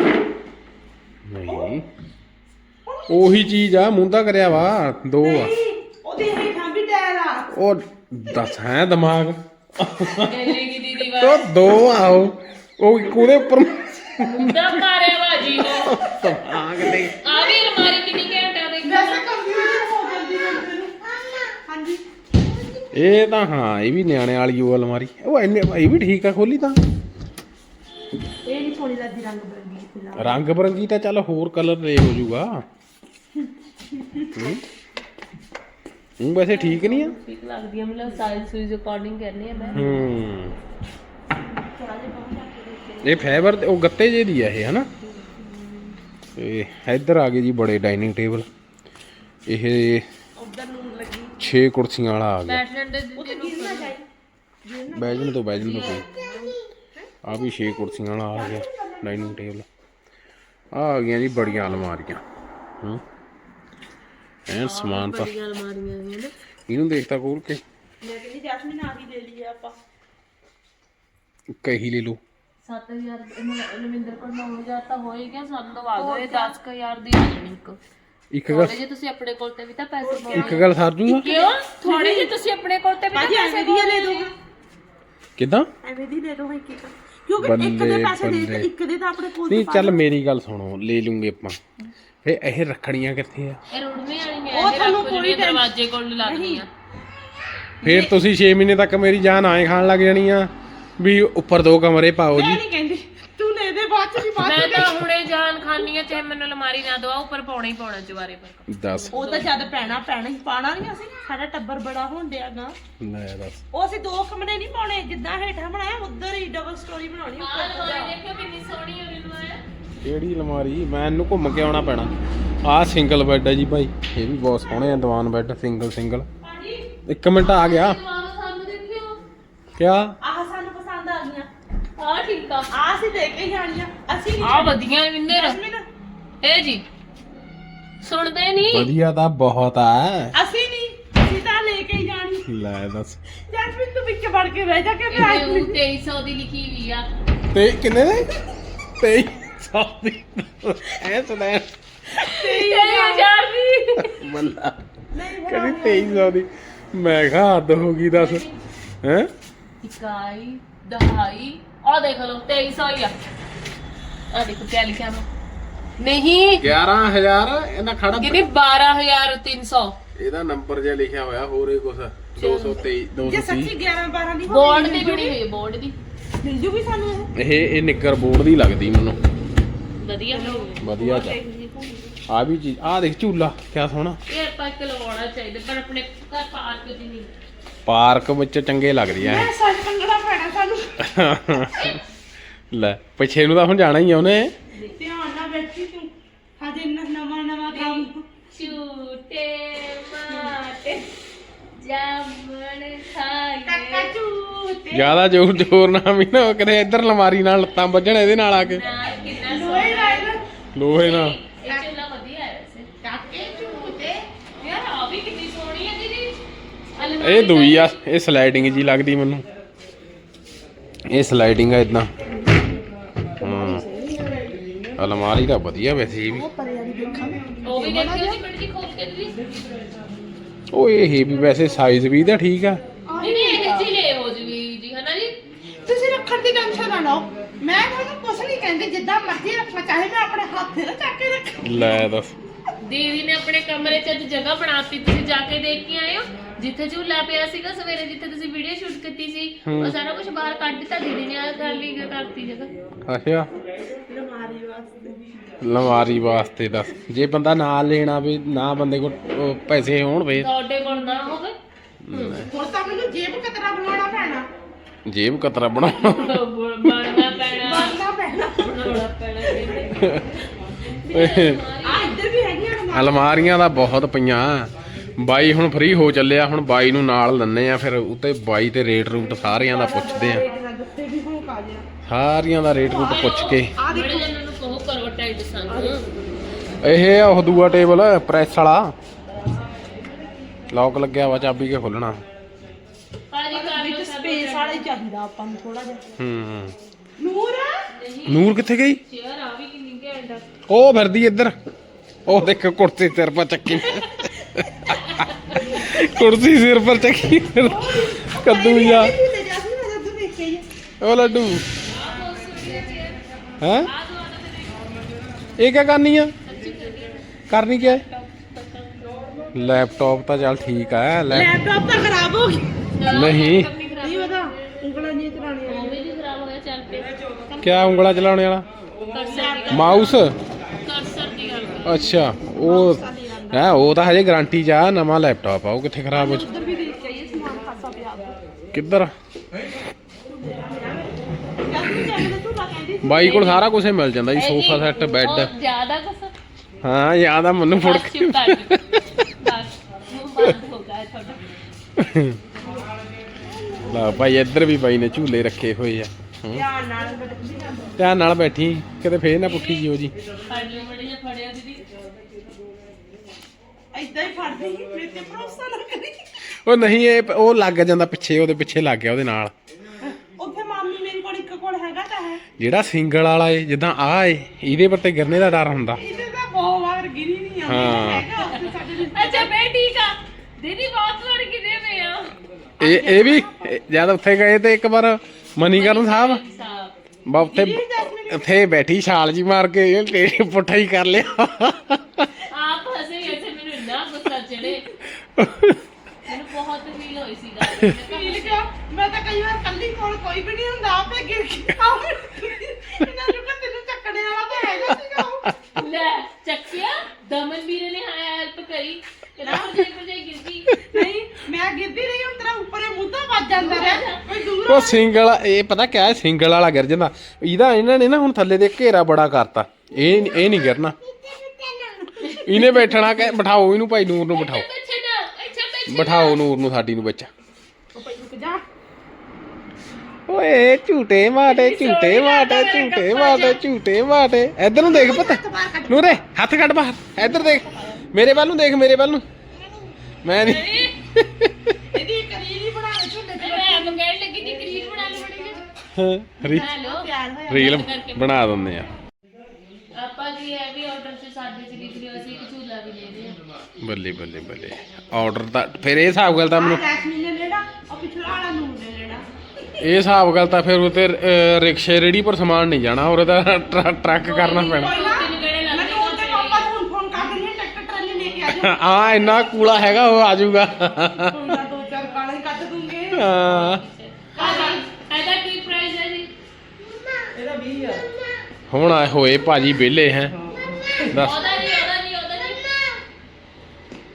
ਨਹੀਂ ਉਹੀ ਚੀਜ਼ ਆ, ਮੁੰਦਾ ਕਰਿਆ ਵਾ 2 ਆ।
ਨਹੀਂ ਉਹਦੇ ਹੇਠਾਂ ਵੀ ਟਾਇਰ ਆ।
ਉਹ ਦੱਸ ਹੈ ਦਿਮਾਗ
ਗੈਲੀ ਦੀਦੀ ਵਾ
ਉਹ 2 ਆ ਉਹ ਇੱਕ ਉਹਦੇ ਉੱਪਰ
ਮੁੰਡਾ ਮਾਰਿਆ ਬਾਜੀ ਉਹ।
ਦਿਮਾਗ ਨਹੀਂ।
ਆ ਵੀ ਅਲਮਾਰੀ ਕਿੰਨੀ ਘੰਟਾ ਦੇਖੀ।
ਵੈਸੇ ਕੰਪਿਊਟਰ ਹੋ ਜਾਂਦੀ ਬੰਦੇ ਨੂੰ। ਹਾਂਜੀ
ਇਹ ਤਾਂ ਹਾਂ ਇਹ ਵੀ ਨਿਆਣੇ ਵਾਲੀ ਉਹ ਅਲਮਾਰੀ, ਉਹ ਇੰਨੇ ਇਹ ਵੀ ਠੀਕ ਆ ਖੋਲੀ ਤਾਂ।
ਇਹ ਨਹੀਂ ਸੋਹਣੀ ਲੱਗਦੀ ਰੰਗ ਬਰੰਗੀ ਫਿਲਹਾਲ।
ਰੰਗ ਬਰੰਗੀ ਤਾਂ ਚੱਲ ਹੋਰ ਕਲਰ ਦੇ ਹੋ ਜਾਊਗਾ। ਉਹ ਵੈਸੇ ਠੀਕ ਨਹੀਂ ਆ।
ਠੀਕ ਲੱਗਦੀ ਹੈ, ਮਤਲਬ ਸਾਈਜ਼ ਸੂਈਜ਼ ਅਕੋਰਡਿੰਗ ਕਰਨੀ ਹੈ ਮੈਂ।
ਥੋੜਾ ਜਿਹਾ ਬਹੁਤ ਰੱਖ ਕੇ
ਇਹ ਫਾਈਬਰ ਉਹ ਗੱਤੇ ਜੇ ਦੀ ਆ ਇਹ ਹਨਾ। ਤੇ ਇੱਧਰ ਆ ਗਏ ਜੀ ਬੜੇ ਡਾਈਨਿੰਗ ਟੇਬਲ। ਇਹ
ਉਧਰ ਨੂੰ ਲੱਗੀ
6 ਕੁਰਸੀਆਂ ਵਾਲਾ ਆ ਗਿਆ।
ਬੈਠ ਲੈਂਦੇ
ਉੱਥੇ ਗਿਰਨਾ ਚਾਹੀਦਾ।
ਬੈਜਣ ਤੋਂ ਕੋਈ ਆ ਵੀ 6 ਕੁਰਸੀਆਂ ਵਾਲਾ ਆ ਗਿਆ ਡਾਈਨਿੰਗ ਟੇਬਲ। ਆ ਗਈਆਂ ਜੀ ਬੜੀਆਂ ਅਲਮਾਰੀਆਂ। ਐਨ ਸਮਾਨ ਤਾਂ
ਬੜੀਆਂ ਅਲਮਾਰੀਆਂ ਨੇ ਨਾ।
ਇਹਨੂੰ ਦੇਖਤਾ ਖੋਲ ਕੇ
ਮੈਂ ਕਹਿੰਦੀ ਜੈਸਮੀਨ ਆ ਵੀ ਲੈ ਲਈਏ ਆਪਾਂ।
ਕਹੀ ਲੈ ਲਓ।
7000 ਰਵਿੰਦਰ ਕੋਲ 9000 ਤਾਂ ਹੋ ਹੀ ਗਿਆ, ਸਾਨੂੰ ਦਵਾ ਦਿਓ ਇਹ 10000 ਦੀ ਆ ਜਾਣੀ ਇੱਕ।
ਇੱਕ ਗੱਲ
ਥੋੜੇ ਜੇ ਤੁਸੀਂ ਆਪਣੇ ਕੋਲ ਤੇ ਵੀ ਤਾਂ ਪੈਸੇ ਪਾਓ।
ਇੱਕ ਗੱਲ ਸਰ ਜੂਗਾ
ਕਿਉਂ? ਥੋੜੇ ਜੇ ਤੁਸੀਂ ਆਪਣੇ ਕੋਲ ਤੇ ਵੀ ਤਾਂ
ਭਾਜੀ
ਪੈਸੇ
ਐਵੇਂ ਦੀ ਲੈ ਦੋ,
ਕਿੱਦਾਂ?
ਐਵੇਂ ਦੀ ਲੈ ਦੋ ਇੱਕ ਇੱਕ, ਕਿਉਂਕਿ ਇੱਕ ਦੇ ਪੈਸੇ ਦੇ ਤੇ ਇੱਕ ਦੇ ਤਾਂ ਆਪਣੇ ਕੋਲ
ਨਹੀਂ ਚੱਲ ਮੇਰੀ ਗੱਲ ਸੁਣੋ, ਲੈ ਲੂੰਗੇ ਆਪਾਂ। ਫੇ ਇਹ ਰੱਖੜੀਆਂ ਕਿੱਥੇ ਆ?
ਇਹ ਰੁੜਵੇਂ ਵਾਲੀਆਂ
ਉਹ ਤੁਹਾਨੂੰ ਕੋਈ
ਦਰਵਾਜ਼ੇ ਕੋਲ ਲੱਗਦੀਆਂ।
ਫੇਰ ਤੁਸੀਂ 6 ਮਹੀਨੇ ਤੱਕ ਮੇਰੀ ਜਾਨ ਆਏ ਖਾਣ ਲੱਗ ਜਾਣੀ ਆ ਵੀ ਉੱਪਰ 2 ਕਮਰੇ ਪਾਓ
ਮੈਂ
ਜੀ।
ਨਹੀਂ ਕਹਿੰਦੀ ਤੂੰ ਲੈ ਦੇ ਬਾਅਦ ਚ ਵੀ ਬਾਅਦ
ਮੈਂ ਤਾਂ ਹੁਣੇ ਜਾਨ ਖਾਨੀ ਆ, ਚਾਹੇ ਮੈਨੂੰ ਅਲਮਾਰੀ ਨਾ ਦਵਾ, ਉੱਪਰ ਪਾਉਣਾ ਹੀ ਪਾਉਣਾ ਚਵਾਰੇ ਪਰ।
ਦੱਸ
ਉਹ ਤਾਂ ਜਦ ਪੈਣਾ ਹੀ ਪਾਣਾ ਨਹੀਂ ਅਸੀਂ, ਸਾਡਾ ਟੱਬਰ ਬੜਾ ਹੋਣ ਡਿਆਗਾ।
ਲੈ ਦੱਸ।
ਉਹ ਅਸੀਂ 2 ਕਮਰੇ ਨਹੀਂ ਪਾਉਣੇ, ਜਿੱਦਾਂ ਹੇਠਾਂ ਬਣਾਇਆ ਉਧਰ ਹੀ ਡਬਲ ਸਟੋਰੀ ਬਣਾਉਣੀ
ਆਹ ਅਲਮਾਰੀ ਦੇਖਿਓ ਕਿੰਨੀ ਸੋਹਣੀ ਹੋਈ ਨੂੰ ਆਇਆ।
ਕਿਹੜੀ ਅਲਮਾਰੀ? ਮੈਂ ਇਹਨੂੰ ਘੁੰਮ ਕੇ ਆਉਣਾ ਪੈਣਾ। ਆਹ ਸਿੰਗਲ ਬੈੱਡ ਹੈ ਜੀ ਭਾਈ, ਇਹ ਵੀ ਬਹੁਤ ਸੋਹਣੇ ਆ ਦੀਵਾਨ ਬੈੱਡ ਸਿੰਗਲ।
ਹਾਂਜੀ
1 ਮਿੰਟ ਆ ਗਿਆ।
ਸਾਨੂੰ ਦੇਖਿਓ,
ਕਿਆ?
ਆਹ ਸਾਨੂੰ ਪਸੰਦ ਆ ਗਈਆਂ,
ਆਹ ਠੀਕ ਆ,
ਆਹ ਅਸੀਂ ਲੈ ਕੇ ਜਾਣੀਆਂ। ਅਸੀਂ ਨਹੀਂ
ਆਹ ਵਧੀਆ ਵਿੰਦਰ
ਜੈਸਮੀਨ,
ਇਹ ਜੀ ਸੁਣਦੇ ਨਹੀਂ।
ਵਧੀਆ ਤਾਂ ਬਹੁਤ ਆ।
ਅਸੀਂ ਨਹੀਂ, ਅਸੀਂ ਤਾਂ ਲੈ ਕੇ ਹੀ ਜਾਣੀ।
ਲੈ ਦੱਸ।
ਜੈਸਮੀਨ ਤੂੰ ਵਿੱਚ ਵੜ ਕੇ ਬਹਿ ਜਾ ਕੇ
ਇਹ 2300 ਦੀ ਲਿਖੀ ਹੋਈ ਆ।
ਤੇ ਕਿੰਨੇ ਦੇ? 2300 ਦੀ ਐ ਸੁਣਿਆ
23,000 ਦੀ।
ਮੱਲਾ
ਨਹੀਂ
ਕਹਿੰਦੀ 2300 ਦੀ। ਮੈਂ ਕਿਹਾ ਹੱਦ ਹੋ ਗਈ ਦੱਸ। ਹੈ
ਇਕਾਈ ਦਹਾਈ ਆਹ ਦੇਖ ਲਓ 2300 ਹੀ ਆ। ਆਹ ਦੇਖੋ ਕਿਆ ਲਿਖਿਆ ਵਾ। ਨਹੀਂ
11000 ਇਹਨਾਂ ਖੜਾ
ਕਿੰਨੀ 12300।
ਇਹਦਾ ਨੰਬਰ ਜਿਹਾ ਲਿਖਿਆ ਹੋਇਆ ਹੋਰ ਇਹ ਕੁਛ 223
ਜੇ
230।
ਸੱਚੀ 11-12 ਦੀ
ਬੋਰਡ ਦੀ ਬਣੀ ਹੋਈ ਬੋਰਡ ਦੀ
ਮਿਲ ਜੂਗੀ ਸਾਨੂੰ ਇਹ।
ਇਹ ਨਿੱਕਰ ਬੋਰਡ ਦੀ ਲੱਗਦੀ ਮੈਨੂੰ।
ਵਧੀਆ ਬਣੀ ਹੋਈ।
ਵਧੀਆ ਚ ਆ ਵੀ ਚੀਜ਼ ਆ ਦੇਖ ਝੂਲਾ ਕਿਆ ਸੋਹਣਾ।
ਇਹ ਆਪਾਂ ਇੱਕ ਲਵਾਉਣਾ ਚਾਹੀਦਾ ਪਰ ਆਪਣੇ ਘਰ ਪਾਰਕ 'ਚ ਨਹੀਂ।
ਪਾਰਕ ਵਿੱਚ ਚੰਗੇ ਲੱਗਦੀ ਆ
ਮੈਂ ਸੱਚ ਕੰਗੜਾ ਪੈਣਾ ਸਾਨੂੰ।
ਲੈ ਪਿੱਛੇ ਨੂੰ ਤਾਂ ਹੁਣ ਜਾਣਾ ਹੀ ਆ ਉਹਨੇ।
ਧਿਆਨ ਨਾਲ ਬੈਠੀ ਤੂੰ ਹਜੇ ਨਵਾਂ ਕੰਮ।
ਝੂਟੇ ਮਾਟੇ ਜਾਮਣ ਖਾਏ
ਕਾਕਾ ਝੂਟੇ
ਜਿਆਦਾ ਜ਼ੋਰ ਨਾ ਵੀ ਨਾ ਕਿਤੇ ਇੱਧਰ ਲਮਾਰੀ ਨਾਲ ਲੱਤਾਂ ਵੱਜਣ ਇਹਦੇ ਨਾਲ ਆ ਕੇ
ਨਾਲ ਕਿੰਨਾ
ਲੋਹੇ ਲਾਇਨ
ਲੋਹੇ ਨਾਲ।
ਇਹ ਝੂਲਾ ਵਧੀਆ ਹੈ ਵੈਸੇ।
ਕਾਕੇ ਝੂਟੇ
ਯਾਰ ਆ ਵੀ ਕਿੰਨੀ ਸੋਹਣੀ ਹੈ ਦੀਦੀ।
ਇਹ ਦੂਈ ਆ ਇਹ ਸਲਾਈਡਿੰਗ ਜੀ ਲੱਗਦੀ ਮੈਨੂੰ। ਇਹ ਸਲਾਈਡਿੰਗ ਆ ਇਦਾਂ। ਹਾਂ ਅਲਮਾਰੀ ਤਾਂ ਵਧੀਆ ਵੈਸੇ ਇਹ ਵੀ।
ਪਰੇ ਵਾਲੀ ਦੇਖਾਂਗੇ।
ਉਹ ਵੀ ਦੇਖਿਓ ਜੀ ਮਿੰਟ ਜੀ ਖੋਲ ਕੇ ਦੀਦੀ।
ਉਹ ਇਹ ਵੀ ਵੈਸੇ ਸਾਈਜ਼ ਵੀ ਤਾਂ ਠੀਕ ਆ।
ਨਹੀਂ ਇਹ ਚੀਲੇ ਹੋ ਜੂਗੀ ਜੀ ਹਨਾ ਜੀ।
ਤੁਸੀਂ ਰੱਖਣ ਦੀ ਟੈਨਸ਼ਨ ਨਾ ਲਓ। ਮੈਂ ਤੁਹਾਨੂੰ ਕੁਛ ਨਹੀਂ ਕਹਿੰਦੀ, ਜਿੱਦਾਂ ਮਰਜ਼ੀ ਰੱਖਣਾ ਚਾਹੇ ਮੈਂ ਆਪਣੇ ਹੱਥ ਨਾਲ ਚੱਕ ਕੇ ਰੱਖ।
ਲੈ ਦੱਸ।
ਦੀਦੀ ਨੇ ਆਪਣੇ ਕਮਰੇ 'ਚ ਅੱਜ ਜਗ੍ਹਾ ਬਣਾਤੀ, ਤੁਸੀਂ ਜਾ ਕੇ ਦੇਖ ਕੇ ਆਏ ਹੋ। ਜਿੱਥੇ ਝੂਲਾ ਪਿਆ ਸੀਗਾ ਸਵੇਰੇ, ਜਿੱਥੇ ਤੁਸੀਂ ਵੀਡੀਓ ਸ਼ੂਟ ਕੀਤੀ ਸੀ, ਉਹ ਸਾਰਾ ਕੁਝ ਬਾਹਰ ਕੱਢ ਦਿੱਤਾ ਦੀਦੀ ਨੇ। ਆ ਕਰ ਲਈ ਕਰਤੀ ਜਗ੍ਹਾ।
ਅੱਛਾ
ਅਲਮਾਰੀ ਵਾਸਤੇ।
ਲਮਾਰੀ ਵਾਸਤੇ ਦੱਸ। ਜੇ ਬੰਦਾ ਨਾਲ ਲੈਣਾ ਵੀ ਨਾ ਬੰਦੇ ਕੋਲ ਪੈਸੇ ਹੋਣ ਵੇ
ਤੁਹਾਡੇ ਕੋਲ ਨਾ ਹੋਵੇ
ਹੁਣ ਤਾਂ ਮੈਨੂੰ ਜੇਬ ਕਤਰਾ ਬਣਾਉਣਾ ਪੈਣਾ।
ਜੇਬ ਕਤਰਾ ਬਣਾਉਣਾ
ਬਣਨਾ ਪੈਣਾ।
ਬਣਨਾ ਪੈਣਾ।
ਬਣਾਉਣਾ ਪੈਣਾ ਕਹਿੰਦੇ।
ਆ ਇੱਧਰ ਵੀ ਹੈਗੀਆਂ ਅਲਮਾਰੀ।
ਅਲਮਾਰੀਆਂ ਦਾ ਬਹੁਤ ਪਈਆਂ। ਬਾਈ ਹੁਣ ਫ੍ਰੀ ਹੋ ਚੱਲਿਆ, ਹੁਣ ਬਾਈ ਨੂੰ ਨਾਲ ਲੈਣੇ ਆ, ਫਿਰ ਉੱਤੇ ਬਾਈ ਤੇ ਰੇਟ ਰੂਟ ਸਾਰਿਆਂ ਦਾ ਪੁੱਛਦੇ ਆ।
ਦੱਸੇ ਵੀ ਹੁਣ ਕਾ ਜਿਆ
ਸਾਰਿਆਂ ਦਾ ਰੇਟ ਰੂਟ ਪੁੱਛ ਕੇ।
ਆ
ਬੜੇ
ਦੇਖੋ
ਜਨਾਂ ਨੂੰ ਕਹੋ ਕਰੋ ਟਾਈਟ ਸੰਗ।
ਇਹ ਉਹ ਦੂਆ ਟੇਬਲ ਪ੍ਰੈਸ ਵਾਲਾ ਲੌਕ ਲੱਗਿਆ ਵਾ, ਚਾਬੀ ਕੇ ਖੋਲਣਾ।
ਭਾਜੀ ਕਰ
ਵਿੱਚ ਸਪੇਸ ਵਾਲਾ ਹੀ ਚਾਹੀਦਾ ਆਪਾਂ ਨੂੰ ਥੋੜਾ ਜਿਹਾ।
ਹੂੰ
ਨੂਰ
ਨੂਰ ਕਿੱਥੇ ਗਈ?
ਚੇਅਰ ਆ ਵੀ ਕਿੰਨੀ ਘੈਂਟ ਆ।
ਉਹ ਫਿਰਦੀ ਇੱਧਰ। ਉਹ ਦੇਖ ਕੁਰਸੀ ਸਿਰ ਪਰ ਚੱਕੀ ਕੁਰਸੀ ਸਿਰ ਪਰ ਚੱਕੀ ਕੱਦੂ ਜਾ।
ਝੂਲੇ ਜਾ ਸੀ ਮੈਂ ਜਦੋਂ ਦੇਖ ਕੇ ਆਈ ਆ।
ਉਹ ਲੱਡੂ ਹੈ ਇਹ ਕਿਆ ਕਰਨੀ ਆ? ਕਰਨੀ ਕਿਆ ਹੈ? ਲੈਪਟਾਪ ਤਾਂ ਚੱਲ ਠੀਕ ਆ।
ਲੈਪਟਾਪ ਤਾਂ ਖਰਾਬ ਹੋ ਗਿਆ।
ਨਹੀਂ
ਨਹੀਂ ਪਤਾ ਉਂਗਲਾਂ ਨਹੀਂ ਚਲਾਉਣੀਆਂ।
ਉਹ ਵੀ ਨਹੀਂ ਖਰਾਬ ਹੋਇਆ, ਚੱਲ ਪਿਆ।
ਕਿਆ ਉਂਗਲਾ ਚਲਾਉਣੇ ਵਾਲਾ?
ਕਰਸਰ ਦੀ
ਮਾਊਸ?
ਕਰਸਰ ਦੀ ਗੱਲ ਕਰ।
ਅੱਛਾ ਉਹ ਹੈ, ਉਹ ਤਾਂ ਹਜੇ ਗਾਰੰਟੀ ਚ ਆ। ਨਵਾਂ ਲੈਪਟਾਪ ਆ, ਉਹ ਕਿੱਥੇ ਖਰਾਬ ਹੋ
ਉਧਰ ਵੀ ਦੇਖ ਕੇ ਆਈਏ ਸਮਾਨ ਖਾਸਾ ਪਿਆ ਉੱਧਰ।
ਕਿੱਧਰ?
ਜਦ ਮੈਂ ਝੂਲਾ ਕਹਿੰਦੀ ਸੀ
ਬਾਈ ਕੋਲ ਸਾਰਾ ਕੁਝ ਮਿਲ ਜਾਂਦਾ ਜੀ, ਸੋਫਾ ਸੈੱਟ, ਬੈੱਡ।
ਉਹ ਜ਼ਿਆਦਾ ਕੁਛ
ਹਾਂ ਯਾਦ ਆ ਮੈਨੂੰ ਫੁੜ
ਬਸ
ਕੇ।
ਚੁੱਪ ਕਰ ਜਾਓ। ਬਸ ਮੂੰਹ ਬੰਦ ਹੋ ਗਿਆ ਤੁਹਾਡਾ।
ਲਾ ਭਾਈ ਇੱਧਰ ਵੀ ਬਾਈ ਨੇ ਝੂਲੇ ਰੱਖੇ ਹੋਏ ਆ।
ਧਿਆਨ ਨਾਲ ਬੈਠੀ ਨਾ।
ਧਿਆਨ ਨਾਲ ਬੈਠੀ ਕਿਤੇ ਫੇਰ ਨਾ ਪੁੱਠੀ ਜਿਓ ਜੀ।
ਫੜ ਲਿਓ ਬੜੇ ਜਿਹਾ ਫੜਿਆ ਦੀਦੀ।
ਏਦਾਂ ਹੀ ਫੜਦੀ ਸੀ, ਮੇਰੇ ਤੇ ਭਰੋਸਾ ਨਾ ਕਰੀ।
ਉਹ ਨਹੀਂ ਇਹ ਉਹ ਲੱਗ ਜਾਂਦਾ ਪਿੱਛੇ, ਉਹਦੇ ਪਿੱਛੇ ਲੱਗ ਗਿਆ ਉਹਦੇ ਨਾਲ।
ਉੱਥੇ ਮਾਮੀ ਮੇਰੇ ਕੋਲ ਇੱਕ ਕੋਲ ਹੈਗਾ ਤਾਂ ਹੈ।
ਜਿਹੜਾ ਸਿੰਗਲ ਵਾਲਾ ਏ ਜਿੱਦਾਂ ਆ ਏ, ਇਹਦੇ ਪਰ ਤੇ ਗਿਰਨੇ ਦਾ ਡਰ ਹੁੰਦਾ।
ਇਹਦੇ ਤਾਂ ਬਹੁਤ ਵਾਰ ਗਿਰੀ ਨਹੀਂ ਆਉਂਦੀ।
ਹਾਂ।
ਹੈਗਾ ਉੱਥੇ ਸਾਡੇ
ਅੱਛਾ ਮੈਂ ਠੀਕ ਆ ਦੀਦੀ, ਬਹੁਤ ਵਾਰ ਕਿਤੇ ਪਏ ਆ।
ਇਹ ਵੀ ਜਦ ਉੱਥੇ ਗਏ ਤੇ ਇੱਕ ਵਾਰ ਮਨੀਕਰਨ ਸਾਹਿਬ ਬਾ ਉੱਥੇ ਬੈਠੀ ਛਾਲ ਜੀ ਮਾਰ ਕੇ ਇਹ ਪੁੱਠਾ ਹੀ ਕਰ ਲਿਆ।
ਆਪ ਹੱਸੇ ਇੱਥੇ ਮੈਨੂੰ ਇੰਨਾ ਗੁੱਸਾ ਚੜੇ। ਮੈਨੂੰ ਬਹੁਤ ਫੀਲ ਹੋਈ ਸੀ ਗੱਲ।
ਫੀਲ ਕਿਉਂ? ਮੈਂ ਤਾਂ ਕਈ ਵਾਰ ਕੱਲੀ ਕੋਲ ਕੋਈ ਵੀ ਨਹੀਂ ਹੁੰਦਾ, ਆਪੇ ਗਿਰ ਕੇ ਆਉਂਦੇ। ਇਹਨਾਂ ਨੂੰ ਕਹਿੰਦੇ ਤੈਨੂੰ ਚੱਕਣੇ ਵਾਲਾ ਤਾਂ ਹੈਗਾ ਸੀਗਾ ਉਹ।
ਲੈ ਚੱਕਿਆ ਦਮਨ ਵੀਰੇ ਨੇ ਹੈਲਪ ਕਰੀ। ਕਿਹੜਾ ਭਜਾਈ ਗਿਰ ਗਈ।
ਨਹੀਂ ਮੈਂ ਗਿਰਦੀ ਰਹੀ, ਹੁਣ ਤੇਰਾ ਉੱਪਰੇ ਮੁੱਦਾ ਵੱਜ ਜਾਂਦਾ ਰਿਹਾ। ਕੋਈ ਦੂਰ
ਉਹ ਸਿੰਗਲ ਇਹ ਪਤਾ ਕਿਆ ਹੈ, ਸਿੰਗਲ ਵਾਲਾ ਗਿਰ ਜਾਂਦਾ। ਇਹਨਾਂ ਨੇ ਨਾ ਹੁਣ ਥੱਲੇ ਦੇ ਘੇਰਾ ਬੜਾ ਕਰਤਾ। ਇਹ ਨਹੀਂ ਗਿਰਨਾ। ਇਹਨੇ ਬੈਠਣਾ ਕਿ ਬਿਠਾਓ ਇਹਨੂੰ, ਭਾਈ ਨੂਰ ਨੂੰ ਬਿਠਾਓ।
ਪਿੱਛੇ ਨਾ ਇੱਥੇ ਪਿੱਛੇ
ਬਿਠਾਓ ਨੂਰ ਨੂੰ ਸਾਡੀ ਨੂੰ ਵਿੱਚ।
ਉਹ ਪਈ ਰੁਕ ਜਾ।
ਓਏ ਝੂਟੇ ਮਾਟੇ ਝੂਟੇ ਮਾਟੇ ਝੂਟੇ ਮਾਟੇ ਝੂਟੇ ਮਾਟੇ। ਇੱਧਰ ਨੂੰ ਦੇਖ ਪੁੱਤ ਨੂਰੇ, ਹੱਥ ਕੱਢ ਬਾਹਰ। ਇੱਧਰ ਦੇਖ ਮੇਰੇ ਵੱਲ ਨੂੰ, ਦੇਖ ਮੇਰੇ ਵੱਲ ਨੂੰ। ਮੈਂ ਨਹੀਂ
ਇਹਦੀ ਕਰੀਰ ਹੀ ਬਣਾ ਕੇ ਝੁੱਲੇ ਤੇ
ਮੈਂ ਆਪ ਕਹਿਣ ਲੱਗੀ ਦੀ ਕਰੀਰ ਬਣਾ ਲਓ ਬੜੀ ਜੀ। ਹੈਲੋ
ਤਿਆਰ ਹੋਇਆ।
ਰੀਲ ਬਣਾ ਦਿੰਦੇ ਆ।
ਆਪਾਂ ਜੀ ਇਹ ਵੀ ਆਰਡਰ ਚ ਸਾਡੇ ਚ ਲਿਖ ਲਿਓ, ਅਸੀਂ ਇੱਕ ਝੂਲਾ ਵੀ ਲੈਦੇ ਆ।
ਬੱਲੇ ਬੱਲੇ ਬੱਲੇ। ਆਰਡਰ ਤਾਂ ਫਿਰ ਇਹ ਹਿਸਾਬ ਗੱਲ ਤਾਂ ਮੈਨੂੰ
ਜੈਸਮੀਨ ਨੇ ਲੈਣਾ, ਉਹ ਪਿਛਲਾ ਵਾਲਾ ਨੂਰ ਨੇ ਲੈਣਾ।
ਇਹ ਹਿਸਾਬ ਗੱਲ ਤਾਂ ਫਿਰ ਉਤੇ ਰਿਕਸ਼ੇ ਰੇੜੀ ਪਰ ਸਮਾਨ ਨਹੀਂ ਜਾਣਾ, ਔਰ ਇਹਦਾ ਟਰੱਕ ਕਰਨਾ ਪੈਣਾ।
ਕੋਈ ਨਾ ਮੈਂ ਨੂਰ ਦੇ ਪਾਪਾ ਨੂੰ ਫੋਨ ਕਰ ਦਿੰਦੀ ਹਾਂ, ਟਰੈਕਟਰ ਟਰਾਲੀ ਲੈ ਕੇ ਆ ਜਾਓ।
ਆ ਇੰਨਾ ਕੂੜਾ ਹੈਗਾ, ਉਹ ਆ ਜਾਊਗਾ।
ਕੋਈ ਨਾ ਦੋ ਚਾਰ ਗਾਲਾਂ ਹੀ ਕੱਢ ਦੂੰਗੇ।
ਹਾਂ
ਇਹਦਾ ਕੀ ਪ੍ਰਾਈਸ ਹੈ ਜੀ?
ਇਹਦਾ 20 ਆ।
ਹੁਣ ਆਏ ਹੋਏ ਭਾਜੀ ਵਿਹਲੇ ਹੈ। ਦੱਸ
ਉਹਦਾ ਨਹੀਂ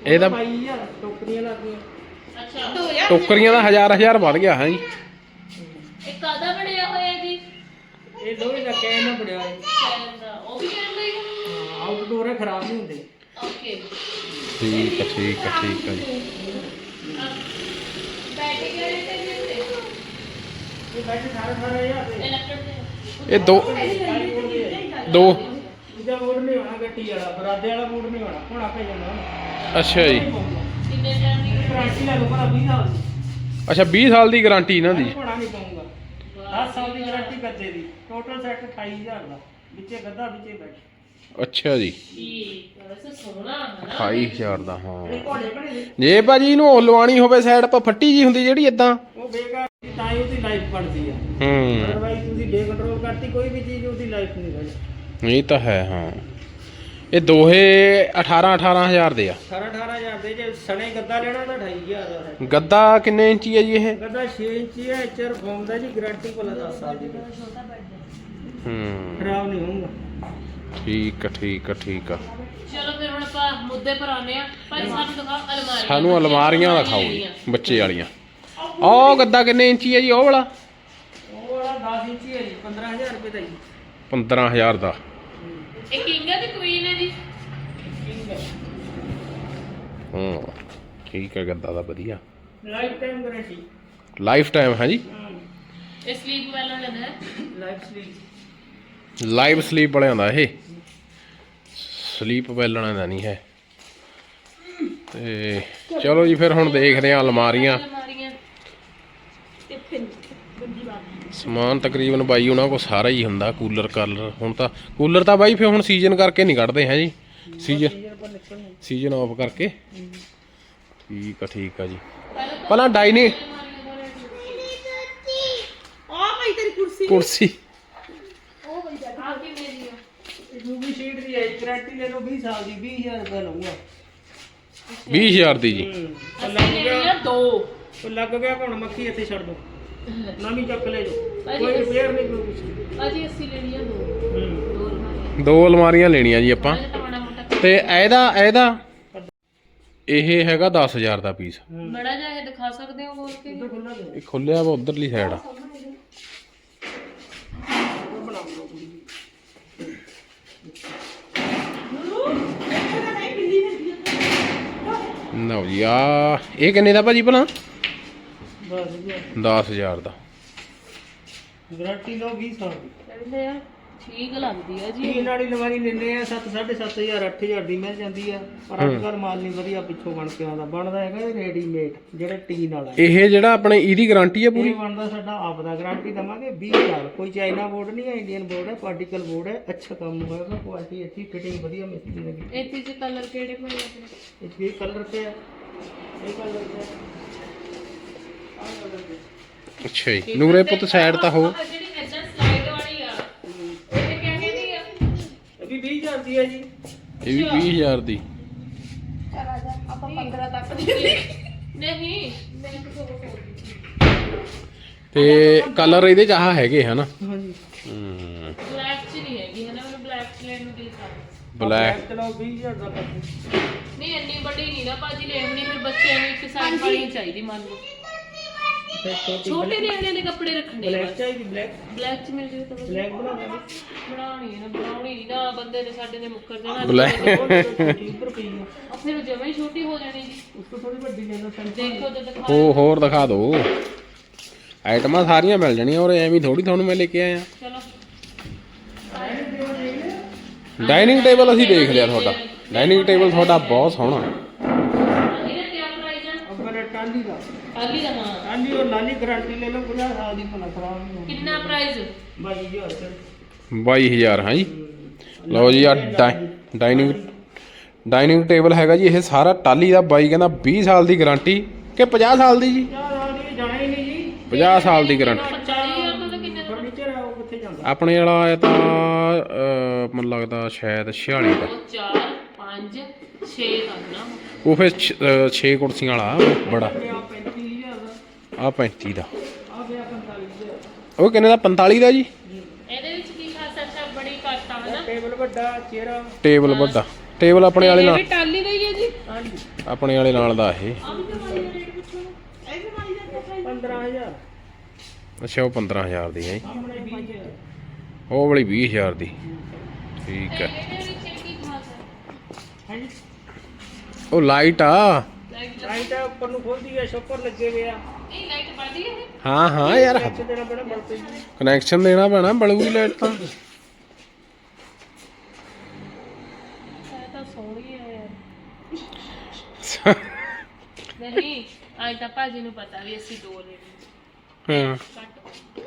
ਇਹ ਤਾਂ
22000 ਟੋਕਰੀਆਂ ਲੱਗੀਆਂ।
ਅੱਛਾ
2000
ਟੋਕਰੀਆਂ ਦਾ 1000 ਵੱਧ ਗਿਆ ਹੈ ਜੀ।
ਇਹ ਕਾਦਾ ਬਣਿਆ ਹੋਇਆ ਜੀ?
ਇਹ ਦੋਵੇਂ ਦਾ ਕੈਨ ਨਾਲ ਬਣਿਆ ਹੈ।
ਕੈਨ ਦਾ ਉਹ ਵੀ ਕਹਿਣ ਲਈ
ਆਊਟਡੋਰ ਹੈ, ਖਰਾਬ ਨਹੀਂ ਹੁੰਦੇ।
ਓਕੇ
ਠੀਕ ਹੈ ਠੀਕ ਹੈ ਠੀਕ ਹੈ ਜੀ।
ਬੈਟਰੀ ਕਿਹੜੇ ਤੇ ਜੀ ਉੱਤੇ?
ਇਹ ਬੈਠੇ 18,000 ਦੇ।
ਇਹ ਲੱਕੜ ਦੇ
ਇਹ ਦੋ
ਇਹਦਾ ਮੋੜ ਨਹੀਂ ਹੋਣਾ ਗੱਟੀ ਵਾਲਾ, ਬਰਾਦੇ ਵਾਲਾ ਮੋੜ ਨਹੀਂ ਹੋਣਾ, ਹੋਣਾ ਪੈ ਜਾਣਾ।
ਅੱਛਾ ਜੀ।
ਕਿੰਨੇ ਟਾਈਮ ਦੀ
ਗਾਰੰਟੀ ਲੈ ਲਓ ਭਲਾ 20 ਸਾਲ ਦੀ।
ਅੱਛਾ 20 ਸਾਲ ਦੀ ਗਾਰੰਟੀ ਇਹਨਾਂ ਦੀ।
ਹੋਣਾ ਨਹੀਂ ਪਾਉਂਗਾ। 10 ਸਾਲ ਦੀ ਗਾਰੰਟੀ ਗੱਦੇ ਦੀ। ਟੋਟਲ ਸੈੱਟ 28000 ਦਾ, ਵਿੱਚੇ ਗੱਦਾ ਵਿੱਚੇ ਬੈਠ।
ਅੱਛਾ ਜੀ
ਠੀਕ ਹੈ, ਵੈਸੇ ਸੋਹਣਾ ਹੈ ਨਾ।
28000 ਦਾ ਹਾਂ।
ਇਹ ਘੋੜੇ ਬਣੇ ਨੇ,
ਜੇ ਭਾਜੀ ਇਹਨੂੰ ਉਹ ਲਵਾਣੀ ਹੋਵੇ ਸਾਈਡ ਪਰ ਫੱਟੀ ਜੀ ਹੁੰਦੀ ਜਿਹੜੀ ਇਦਾਂ।
ਉਹ ਬੇਕਾਰ ਦੀ, ਤਾਂ ਹੀ ਉਹਦੀ ਲਾਈਫ ਬਣਦੀ ਆ।
ਹੂੰ
ਅਦਰਵਾਈਜ਼ ਤੁਸੀਂ ਬੇਕੰਟਰੋਲ ਕਰਤੀ ਕੋਈ ਵੀ ਚੀਜ਼, ਉਹਦੀ ਲਾਈਫ ਨਹੀਂ ਰਹੀ।
ਇਹ ਤਾਂ ਹੈ ਹਾਂ। ਇਹ ਦੋਹੇ 18000 ਦੇ ਆ।
18,000 ਦੇ। ਜੇ ਸਣੇ ਗੱਦਾ ਲੈਣਾ ਤਾਂ 28000 ਦਾ ਹੈ।
ਗੱਦਾ ਕਿੰਨੇ ਇੰਚੀ ਹੈ ਜੀ ਇਹ?
ਗੱਦਾ 6 ਇੰਚੀ ਹੈ, ਐਚਆਰ ਫੋਮ ਦਾ ਜੀ, ਗਾਰੰਟੀ ਕੋਲ 10 ਸਾਲ ਦੀ।
ਹੂੰ
ਖਰਾਬ ਨਹੀਂ ਹੋਊਗਾ।
ਠੀਕ ਆ ਠੀਕ ਆ ਠੀਕ ਆ।
ਚਲੋ ਫਿਰ ਹੁਣ ਆਪਾਂ ਮੁੱਦੇ ਪਰ ਆਨੇ ਆ। ਭਾਈ ਸਾਨੂੰ ਦਿਖਾਓ ਅਲਮਾਰੀਆਂ।
ਸਾਨੂੰ ਅਲਮਾਰੀਆਂ ਦਿਖਾਓ ਜੀ ਬੱਚੇ ਵਾਲੀਆਂ। ਉਹ ਗੱਦਾ ਕਿੰਨੇ ਇੰਚੀ ਹੈ ਜੀ ਉਹ ਵਾਲਾ?
ਉਹ ਵਾਲਾ 10 ਇੰਚੀ ਹੈ ਜੀ, 15000 ਰੁਪਏ ਦਾ ਜੀ।
15000 ਦਾ।
ਇਹ ਕਿੰਗ ਹੈ ਤੇ ਕੁਈਨ ਹੈ ਜੀ?
ਹੂੰ ਠੀਕ ਹੈ ਗੱਦਾ ਦਾ ਵਧੀਆ।
Lifetime guarantee.
Lifetime ਹੈ ਜੀ।
ਇਹ ਸਲੀਪ ਵਾਲਾ ਲੈਂਦਾ ਹੈ।
Life sleep.
ਲਾਈਵ ਸਲੀਪ ਵਾਲਿਆਂ ਦਾ ਇਹ। ਸਲੀਪ ਵੈਲਣਾ ਦਾ ਨਹੀਂ ਹੈ। ਤੇ ਚਲੋ ਜੀ ਫਿਰ ਹੁਣ ਦੇਖਦੇ ਹਾਂ ਅਲਮਾਰੀਆਂ।
ਅਲਮਾਰੀਆਂ
ਸਮਾਨ ਤਕਰੀਬਨ ਬਾਈ ਉਹਨਾਂ ਕੋਲ ਸਾਰਾ ਹੀ ਹੁੰਦਾ। ਕੂਲਰ ਕਾਲਰ ਹੁਣ ਤਾਂ ਕੂਲਰ ਤਾਂ ਬਾਈ ਫਿਰ ਹੁਣ ਸੀਜ਼ਨ ਕਰਕੇ ਨਹੀਂ ਕੱਢਦੇ ਹੈ ਜੀ। ਸੀਜ਼ਨ ਆਫ ਕਰਕੇ। ਠੀਕ ਆ ਜੀ। ਪਹਿਲਾਂ ਡਾਈਨਿੰਗ
ਆ ਭਾਈ ਤੇਰੀ ਕੁਰਸੀ
ਕੁਰਸੀ
ਆ ਕਿੰਨੇ ਦੀ ਆ?
ਯੂਵੀ ਸ਼ੀਟ ਦੀ ਹੈ, ਗਾਰੰਟੀ ਲੈ ਲਓ 20 ਸਾਲ ਦੀ, 20000 ਰੁਪਏ ਲਊਗਾ।
20000 ਦੀ ਜੀ।
ਉਹ ਲੱਗ
ਅਸੀਂ
ਗਿਆ,
ਲੈਣੀ ਆ ਦੋ।
ਉਹ ਲੱਗ ਗਿਆ ਹੁਣ ਮੱਖੀ ਇੱਥੇ ਛੱਡ ਦੋ, ਨਵੀਂ ਚੱਕ ਲੈ ਜੋ। ਕੋਈ ਰਿਪੇਅਰ ਨਹੀਂ, ਕੋਈ ਕੁਛ ਨਹੀਂ।
ਭਾਜੀ ਅਸੀਂ ਲੈਣੀ ਆ ਦੋ। ਦੋ ਅਲਮਾਰੀਆਂ।
ਦੋ ਅਲਮਾਰੀਆਂ ਲੈਣੀਆਂ ਜੀ ਆਪਾਂ।
ਇਹ ਤਾਂ ਮਾੜਾ ਮੋਟਾ
ਤੇ ਇਹਦਾ ਇਹ ਹੈਗਾ 10000 ਦਾ ਪੀਸ।
ਬੜਾ ਜਿਹਾ ਇਹ ਦਿਖਾ ਸਕਦੇ ਹੋ ਬੋਲ ਕੇ?
ਇੱਧਰ ਖੁੱਲਾ ਦੇ,
ਇਹ ਖੁੱਲਿਆ ਵਾ ਉਧਰਲੀ ਸਾਈਡ ਆ।
ਉਹ ਬਣਾ ਲਓ ਕੁੜੀ।
ਲਓ ਜੀ ਆ ਇਹ ਕਿੰਨੇ ਦਾ ਭਾਜੀ ਭਲਾ?
ਬਸ ਜੀ,
10000 ਦਾ।
ਗਾਰੰਟੀ ਲਓ 20 ਸਾਲ ਦੀ।
ਕਹਿੰਦੇ ਆ ਠੀਕ ਲੱਗਦੀ ਆ ਜੀ।
ਟੀਨ ਵਾਲੀ ਲਵਾਰੀ ਲੈਂਦੇ ਆ 7,500 8000 ਦੀ ਮਿਲ ਜਾਂਦੀ ਆ। ਪਰ ਅੱਜ ਕੱਲ੍ਹ ਮਾਲ ਨਹੀਂ ਵਧੀਆ ਪਿੱਛੋਂ ਬਣ ਕੇ ਆਉਂਦਾ। ਬਣਦਾ ਹੈਗਾ ਰੈਡੀਮੇਡ ਜਿਹੜਾ ਟੀਨ ਵਾਲਾ ਹੈ।
ਇਹ ਜਿਹੜਾ ਆਪਣੇ ਇਹਦੀ ਗਾਰੰਟੀ ਹੈ ਪੂਰੀ?
ਇਹ ਬਣਦਾ ਸਾਡਾ ਆਪ ਦਾ। ਗਾਰੰਟੀ ਦਵਾਂਗੇ 20000। ਕੋਈ ਚਾਈਨਾ ਬੋਰਡ ਨਹੀਂ ਹੈ, ਇੰਡੀਅਨ ਬੋਰਡ ਹੈ, ਪਾਰਟੀਕਲ ਬੋਰਡ ਹੈ। ਅੱਛਾ ਕੰਮ ਹੋਏਗਾ, ਕੁਆਲਿਟੀ ਅੱਛੀ, ਫਿਟਿੰਗ ਵਧੀਆ ਮਿਸਤਰੀ ਲੱਗੀ।
ਇੱਥੇ ਚ ਕਲਰ ਕਿਹੜੇ ਪਏ ਆਪਣੇ?
ਇਹ ਕਲਰ ਤੇ ਆ, ਇਹ ਕਲਰ ਤੇ ਆ, ਆਹ ਕਲਰ ਤੇ।
ਅੱਛਾ ਜੀ। ਨੂਰੇ ਪੁੱਤ ਸਾਈਡ ਤਾਂ ਹੋ।
ਆਹ ਜਿਹੜੀ ਐਦਾਂ ਸਲਾਈਡ ਵਾਲੀ ਆ ਇਹ ਕਿਆ ਕਹਿੰਦੀ ਆ?
ਇਹ ਵੀ 20000 ਦੀ ਹੈ ਜੀ।
ਇਹ ਵੀ 20000 ਦੀ।
ਆਪਾਂ 15 ਤੱਕ
ਨਹੀਂ ਮੈਂ ਕਿਹਾ
ਤੇ ਕਲਰ ਇਹਦੇ ਚ ਆਹ ਹੈਗੇ ਹਨਾ?
ਹਾਂਜੀ।
ਬਲੈਕ ਚ ਨਹੀਂ ਹੈਗੀ ਹੈ ਨਾ? ਮੈਨੂੰ ਬਲੈਕ ਚ ਲੈਣ ਨੂੰ ਦਿਲ ਕਰਦਾ।
ਬਲੈਕ
ਚਲੋ 20000 ਦਾ ਕਰ।
ਨਹੀਂ ਇੰਨੀ ਵੱਡੀ ਨਹੀਂ ਨਾ ਭਾਜੀ ਲੈਣੀ। ਫਿਰ ਬੱਚਿਆਂ ਨੂੰ ਇੱਕ ਸਾਈਜ਼ ਵਾਲੀ ਚਾਹੀਦੀ ਮੰਨ ਲਓ। ਛੋਟੇ ਨਿਆਣਿਆਂ ਦੇ ਕੱਪੜੇ ਰੱਖਣੇ
ਬਲੈਕ ਚਾਹੀਦੀ, ਬਲੈਕ
ਬਲੈਕ ਚ ਮਿਲ ਜਾਵੇ ਤਾਂ ਵਧੀਆ।
ਬਲੈਕ ਬਣਾ ਦੇ।
ਬਣਾਉਣੀ ਨਹੀਂ ਨਾ ਬੰਦੇ ਨੇ ਸਾਡੇ ਨੇ ਮੁੱਕਰ ਜਾਣਾ।
ਬਲੈਕ
30 ਰੁਪਏ ਆ।
ਆ ਫਿਰ ਜਮਾ ਹੀ ਛੋਟੀ ਹੋ ਜਾਣੀ ਜੀ।
ਉਸ ਤੋਂ ਥੋੜੀ ਵੱਡੀ ਲੈ ਲਓ।
ਦੇਖੋ ਤੇ ਦਿਖਾ।
ਹੋਰ ਦਿਖਾ ਦਿਓ। ਆਈਟਮਾਂ ਸਾਰੀਆਂ ਮਿਲ ਜਾਣੀਆਂ। ਔਰ ਐਵੇਂ ਥੋੜੀ ਤੁਹਾਨੂੰ ਮੈਂ ਲੈ ਕੇ ਆਇਆ।
ਚਲੋ
ਡਾਈਨਿੰਗ ਟੇਬਲ ਅਸੀਂ ਦੇਖ ਲਿਆ ਤੁਹਾਡਾ। ਡਾਈਨਿੰਗ ਟੇਬਲ ਤੁਹਾਡਾ ਬਹੁਤ ਸੋਹਣਾ।
ਇਹਦਾ ਕੀ ਪ੍ਰਾਈਸ ਹੈ?
ਅਗਰ ਟਾਂਡੀ ਦਾ,
ਆਲੀ ਦਾ ਹਾਂ।
ਟਾਂਡੀ ਔਰ ਨਾਲੀ ਗਾਰੰਟੀ ਲੈ ਲਓ 50 ਸਾਲ ਦੀ, ਭਲਾ ਖਰਾਬ ਨਹੀਂ ਹੋਣੀ।
ਕਿੰਨਾ ਪ੍ਰਾਈਸ?
22000 ਰੁਪਏ।
22000 ਹਾਂ ਜੀ। ਲਓ ਜੀ ਆ ਡਾਈਨਿੰਗ ਟੇਬਲ ਹੈਗਾ ਜੀ। ਇਹ ਸਾਰਾ ਟਾਲੀ ਦਾ। ਬਾਈ ਕਹਿੰਦਾ 20 ਸਾਲ ਦੀ ਗਾਰੰਟੀ ਕਿ 50 ਸਾਲ ਦੀ ਜੀ?
50 ਸਾਲ ਦੀ ਜਾਣਾ ਹੀ ਨਹੀਂ ਜੀ।
50 ਸਾਲ ਦੀ ਗਾਰੰਟੀ।
40000 ਦਾ ਕਿੰਨੇ ਦਾ?
ਫਰਨੀਚਰ ਹੈ ਉਹ ਕਿੱਥੇ ਜਾਂਦਾ?
ਆਪਣੇ ਵਾਲਾ ਆਇਆ ਤਾਂ ਮੈਨੂੰ ਲੱਗਦਾ ਸ਼ਾਇਦ 46 ਦਾ।
4 5 6 ਦਾ ਨਾ।
ਉਹ ਫਿਰ 6 ਕੁਰਸੀਆਂ ਵਾਲਾ ਬੜਾ।
ਆ 35000 ਦਾ,
ਆ 35 ਦਾ।
ਆ ਗਿਆ 45000।
ਉਹ ਕਿੰਨੇ ਦਾ? 45 ਦਾ ਜੀ।
ਇਹਦੇ ਵਿੱਚ ਕੀ ਖਾਸ ਹੈ? ਬੜੀ ਘੱਟ ਆ ਹਨਾ?
ਟੇਬਲ ਵੱਡਾ, ਚੇਅਰ।
ਟੇਬਲ ਵੱਡਾ। ਟੇਬਲ ਆਪਣੇ ਵਾਲੇ
ਇਹ
ਨਾਲ
ਵੀ ਟਾਲੀ ਦਾ ਹੀ ਹੈ ਜੀ।
ਹਾਂਜੀ।
ਆਪਣੇ ਵਾਲੇ ਨਾਲ ਦਾ ਇਹ।
ਇਹ ਵੀ ਮਾਈ ਦਾ ਕਿੱਥੇ
15000
ਅੱਛਾ ਉਹ 15000 ਦੀ ਹੈ,
ਸਾਹਮਣੇ 20000
ਉਹ ਵਾਲੀ 20000 ਦੀ। ਠੀਕ ਹੈ।
ਹਾਂਜੀ
ਉਹ ਲਾਈਟ ਆ।
ਲਾਈਟ ਉੱਪਰ ਨੂੰ ਖੋਲਦੀ ਹੈ, ਸ਼ੋਪਰ ਲੱਗੇ ਹੋਏ ਆ।
ਇਹ ਲਾਈਟ ਬਲਦੀ ਹੈ
ਹਾਂ ਹਾਂ ਯਾਰ
ਅੱਛੇ ਦੇਣਾ ਪੈਣਾ ਬਲਤੇ ਜੀ।
ਕਨੈਕਸ਼ਨ ਦੇਣਾ ਪੈਣਾ, ਬਲੂਗੀ ਲਾਈਟ ਤਾਂ।
ਇਹ ਤਾਂ ਸੋਹਣੀ ਹੈ ਯਾਰ। ਨਹੀਂ ਅੱਜ ਤਾਂ ਭਾਜੀ ਨੂੰ ਪਤਾ ਵੀ ਅਸੀਂ ਦੋ ਲੈਣੀ
ਹਾਂ
ਘੱਟ।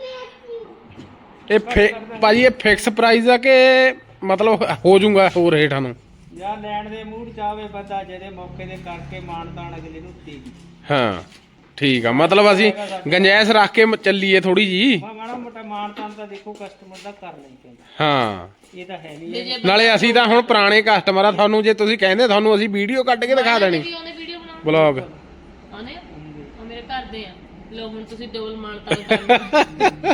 ਇਹ ਭਾਜੀ ਇਹ ਫਿਕਸ ਪ੍ਰਾਈਸ ਆ ਕਿ ਮਤਲਬ ਹੋ ਜਾਊਗਾ ਹੋਰ ਰੇਟਾਂ ਨੂੰ?
ਜਾਂ ਲੈਣ ਦੇ ਮੂਡ ਚਾਵੇ ਬੰਦਾ ਜਿਹਦੇ ਮੌਕੇ ਦੇ ਕਰਕੇ ਮਾਨਤਾਨ ਅਗਲੇ ਨੂੰ ਦੇਗੀ।
ਹਾਂ ਠੀਕ ਆ, ਮਤਲਬ ਅਸੀਂ ਗੰਜੈਸ ਰੱਖ ਕੇ ਚੱਲੀਏ ਥੋੜੀ ਜੀ।
ਮਾੜਾ ਮੋਟਾ ਮਾਨਤਾਨ ਤਾਂ ਦੇਖੋ ਕਸਟਮਰ ਦਾ ਕਰ ਲਈ ਪੈਂਦਾ,
ਹਾਂ
ਇਹ ਤਾਂ ਹੈ ਨਹੀਂ
ਤੇ ਜੇ
ਨਾਲੇ ਅਸੀਂ ਤਾਂ ਹੁਣ ਪੁਰਾਣੇ ਕਸਟਮਰ ਆ, ਤੁਹਾਨੂੰ ਜੇ ਤੁਸੀਂ ਕਹਿੰਦੇ ਤੁਹਾਨੂੰ ਅਸੀਂ ਵੀਡੀਓ ਕੱਢ ਕੇ ਦਿਖਾ ਦੇਣੀ,
ਉਹਨੇ ਵੀਡੀਓ ਬਣਾਉਣੀ
ਬਲੌਗ।
ਆਨੇ ਉਹ ਮੇਰੇ ਘਰ ਦੇ ਆ। ਲੋ ਹੁਣ ਤੁਸੀਂ ਡਬਲ ਮਾਨਤਾ ਕਰਨਾ।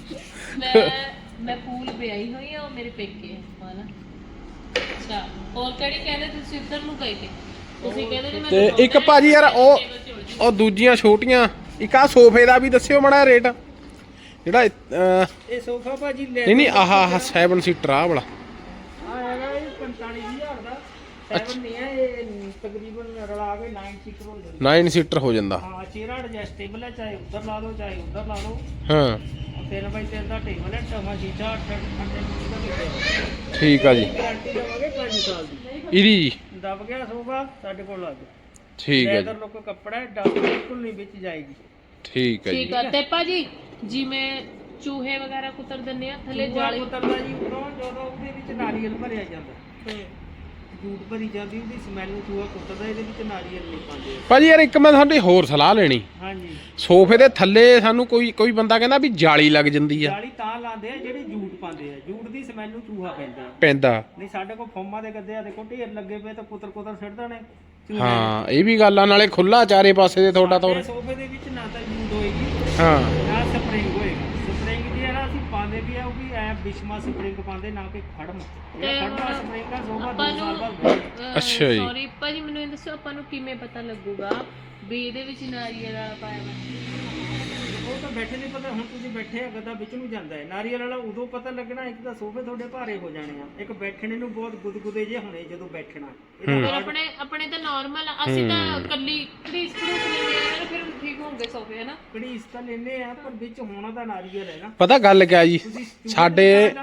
ਮੈਂ ਫੂਲ ਵਿਆਹੀ ਹੋਈ ਆ, ਉਹ ਮੇਰੇ ਪੇਕੇ ਆ ਹਨਾ। ਅੱਛਾ ਹੋਰ ਕਿਹੜੀ ਕਹਿੰਦੇ ਤੁਸੀਂ ਇੱਧਰ ਨੂੰ ਗਏ ਤੇ ਤੁਸੀਂ ਕਹਿੰਦੇ ਨੇ ਮੈਂ
ਤੇ ਇੱਕ ਭਾਜੀ ਯਾਰ ਉਹ ਦੂਜੀਆਂ ਛੋਟੀਆਂ ਇੱਕ ਆ ਸੋਫੇ ਦਾ ਵੀ ਦੱਸਿਓ ਮਾੜਾ ਰੇਟ ਜਿਹੜਾ
ਇਹ ਸੋਫਾ ਭਾਜੀ ਲੈ
ਨਹੀਂ ਨਹੀਂ ਆਹ 7 ਸੀਟਰ ਆ ਵਾਲਾ।
ਆ ਹੈਗਾ ਇਹ 45000 ਦਾ। 7 ਨਹੀਂ ਹੈ ਇਹ, ਤਕਰੀਬਨ ਰਲਾ ਕੇ 9 ਸੀਟਰ ਹੋ ਜਾਂਦਾ।
9 ਸੀਟਰ ਹੋ ਜਾਂਦਾ।
ਹਾਂ ਚੇਅਰ ਐਡਜਸਟੇਬਲ ਹੈ, ਚਾਹੇ ਉੱਧਰ ਲਾ ਲਓ ਚਾਹੇ ਉੱਧਰ ਲਾ ਲਓ।
ਹਾਂ
3x3 ਦਾ ਟੇਬਲ ਹੈ, ਟਮਾ ਸ਼ੀਸ਼ਾ 8 ਇੰਚ ਦਾ ਲੱਗਿਆ।
ਠੀਕ ਆ ਜੀ।
ਗਾਰੰਟੀ ਦੇਵਾਂਗੇ 5 ਸਾਲ ਦੀ।
ਇਹਦੀ ਜੀ
ਦਬ ਗਿਆ ਸੋਫਾ ਸਾਡੇ ਕੋਲ ਆ ਜਾ।
ਠੀਕ ਹੈ ਜੀ।
ਲੈਦਰ ਲੋਕ ਕੱਪੜਾ ਹੈ, ਡੱਬ ਬਿਲਕੁਲ ਨਹੀਂ ਵਿੱਚ ਜਾਏਗੀ।
ਠੀਕ ਹੈ ਜੀ।
ਠੀਕ ਆ। ਤੇ ਭਾਜੀ ਜਿਵੇਂ ਚੂਹੇ ਵਗੈਰਾ ਕੁਤਰ ਦਿੰਦੇ ਆ ਥੱਲੇ ਜਾਲੀ
ਉਤਰਦਾ ਜੀ ਉਪਰੋਂ, ਜਦੋਂ ਉਹਦੇ ਵਿੱਚ ਨਾਰੀਅਲ ਭਰਿਆ ਜਾਂਦਾ, ਜੂਟ ਭਰੀ ਜਾਂਦੀ, ਉਹਦੀ ਸਮੈਲ ਨੂੰ ਚੂਹਾ ਕੁੱਟਦਾ, ਇਹਦੇ ਵਿੱਚ ਨਾਰੀਅਲ ਨਹੀਂ ਪਾਉਂਦੇ।
ਭਾਜੀ ਯਾਰ ਇੱਕ ਮੈਂ ਤੁਹਾਡੀ ਹੋਰ ਸਲਾਹ ਲੈਣੀ।
ਹਾਂਜੀ
ਸੋਫੇ ਦੇ ਥੱਲੇ ਸਾਨੂੰ ਕੋਈ ਬੰਦਾ ਕਹਿੰਦਾ ਵੀ ਜਾਲੀ ਲੱਗ ਜਾਂਦੀ ਆ।
ਜਾਲੀ ਤਾਂ ਲਾਉਂਦੇ ਆ ਜਿਹੜੇ ਜੂਟ ਪਾਉਂਦੇ ਆ, ਜੂਟ ਦੀ ਸਮੈਲ ਨੂੰ ਚੂਹਾ ਪੈਂਦਾ।
ਪੈਂਦਾ
ਨਹੀਂ ਸਾਡੇ ਕੋਲ ਫੋਮਾਂ ਦੇ ਗੱਦੇ ਆ, ਦੇਖੋ ਢੇਰ ਲੱਗੇ ਪਏ ਤਾਂ ਕੁਤਰ ਸਿੱਟ ਦੇਣੇ।
ਹਾਂ ਇਹ ਵੀ ਗੱਲ ਆ, ਨਾਲੇ ਖੁੱਲਾ ਚਾਰੇ ਪਾਸੇ ਦੇ ਤੁਹਾਡਾ ਤੌਰ।
ਸੋਫੇ ਦੇ ਵਿੱਚ ਨਾ ਤਾਂ ਜੂਟ ਹੋਏਗੀ
ਹਾਂ
ਨਾ ਸਪਰਿੰਗ ਹੋਏਗਾ। ਸਪਰਿੰਗ ਦੀ ਨਾ ਅਸੀਂ ਪਾਉਂਦੇ ਵੀ ਆ, ਉਹ ਵੀ ਐ ਬਿਸ਼ਮਾ ਸਪਰਿੰਗ ਪਾਉਂਦੇ, ਨਾ ਕਿ ਖੜਮ। ਇਹ ਖੜਮਾ ਸਪਰਿੰਗ ਦਾ ਸੋਫਾ 2 ਸਾਲ ਬਾਅਦ ਬਦਲਦਾ।
ਅੱਛਾ ਜੀ।
ਸੌਰੀ ਭਾਜੀ ਮੈਨੂੰ ਇਹ ਦੱਸੋ ਆਪਾਂ ਨੂੰ ਕਿਵੇਂ ਪਤਾ ਲੱਗੂਗਾ ਵੀ ਇਹਦੇ ਵਿੱਚ ਨਾਰੀਅਲ ਵਾਲਾ ਪਾਇਆ ਵਾ?
ਉਹ ਤਾਂ ਬੈਠੇ ਨਹੀਂ ਪਤਾ, ਹੁਣ ਤੁਸੀਂ ਬੈਠੇ ਆ ਗੱਦਾ ਵਿੱਚ ਨੂੰ ਜਾਂਦਾ ਹੈ। ਨਾਰੀਅਲ ਵਾਲਾ ਉਦੋਂ ਪਤਾ ਲੱਗਣਾ, ਇੱਕ ਤਾਂ ਸੋਫੇ ਤੁਹਾਡੇ ਭਾਰੇ ਹੋ ਜਾਣੇ ਆ, ਇੱਕ ਬੈਠਣੇ ਨੂੰ ਬਹੁਤ ਗੁਦਗੁਦੇ ਜੇ ਹੋਣੇ ਜਦੋਂ ਬੈਠਣਾ।
ਪਰ ਆਪਣੇ ਤਾਂ ਨਾਰਮਲ ਆ, ਅਸੀਂ ਤਾਂ ਕੱਲੀ ਘੜੀਸ ਲੈਂਦੇ ਆ ਫਿਰ ਠੀਕ ਹੋਣਗੇ ਸੋਫੇ ਹਨਾ।
ਘੜੀਸ ਤਾਂ ਲੈਨੇ ਆ, ਪਰ ਵਿੱਚ ਹੋਣਾ ਤਾਂ ਨਾਰੀਅਲ ਹੈ ਨਾ।
ਪਤਾ ਗੱਲ ਕਿਆ ਜੀ, ਸਾਡੇ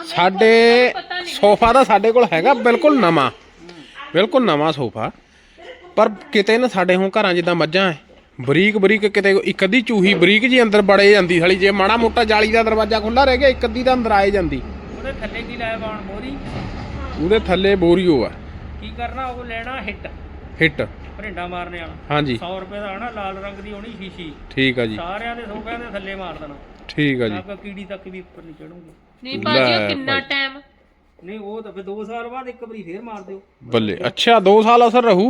ਸੋਫਾ ਤਾਂ ਸਾਡੇ ਕੋਲ ਹੈਗਾ ਬਿਲਕੁਲ ਨਵਾਂ ਸੋਫਾ, ਪਰ ਕਿਤੇ ਨਾ ਸਾਡੇ ਹੁਣ ਘਰਾਂ ਜਿੱਦਾਂ ਮੱਝਾਂ ਐ ਬਰੀਕ ਕਿਤੇ ਇੱਕ ਅੱਧੀ ਚੂਹੀ ਬਰੀਕ ਜੀ ਅੰਦਰ ਬੜੇ ਜਾਂਦੀ ਸਾਲੀ। ਜੇ ਮਾੜਾ ਮੋਟਾ ਜਾਲੀ ਦਾ ਦਰਵਾਜ਼ਾ ਖੁੱਲਾ ਰਹਿ ਗਿਆ ਇੱਕ ਅੱਧੀ ਤਾਂ ਅੰਦਰ ਆਏ ਜਾਂਦੀ।
ਉਹਦੇ ਥੱਲੇ ਕੀ ਲਾਇਆ ਬਾਣ ਮੋਰੀ,
ਉਹਦੇ ਥੱਲੇ ਬੋਰੀਓ ਆ।
ਕੀ ਕਰਨਾ, ਉਹ ਲੈਣਾ
ਹਿੱਟ
ਭਰਿੰਡਾ ਮਾਰਨੇ ਵਾਲਾ।
ਹਾਂਜੀ
100 ਰੁਪਏ ਦਾ ਆਣਾ, ਲਾਲ ਰੰਗ ਦੀ ਹੋਣੀ ਸ਼ੀਸ਼ੀ।
ਠੀਕ ਆ ਜੀ।
ਸਾਰਿਆਂ ਦੇ ਸੋਫਿਆਂ ਦੇ ਥੱਲੇ ਮਾਰ ਦੇਣਾ।
ਠੀਕ ਆ ਜੀ।
ਆਪਕਾ ਕੀੜੀ ਤੱਕ ਵੀ ਉੱਪਰ ਨਹੀਂ ਚੜੂਗੀ।
ਨਹੀਂ ਭਾਜੀ ਉਹ ਕਿੰਨਾ ਟਾਈਮ?
ਨਹੀਂ ਉਹ ਤਾਂ ਫਿਰ 2 ਸਾਲ ਬਾਅਦ ਇੱਕ ਵਾਰੀ ਫੇਰ ਮਾਰ ਦਿਓ।
ਬੱਲੇ ਅੱਛਾ 2 ਸਾਲ ਅਸਰ ਰਹੂ।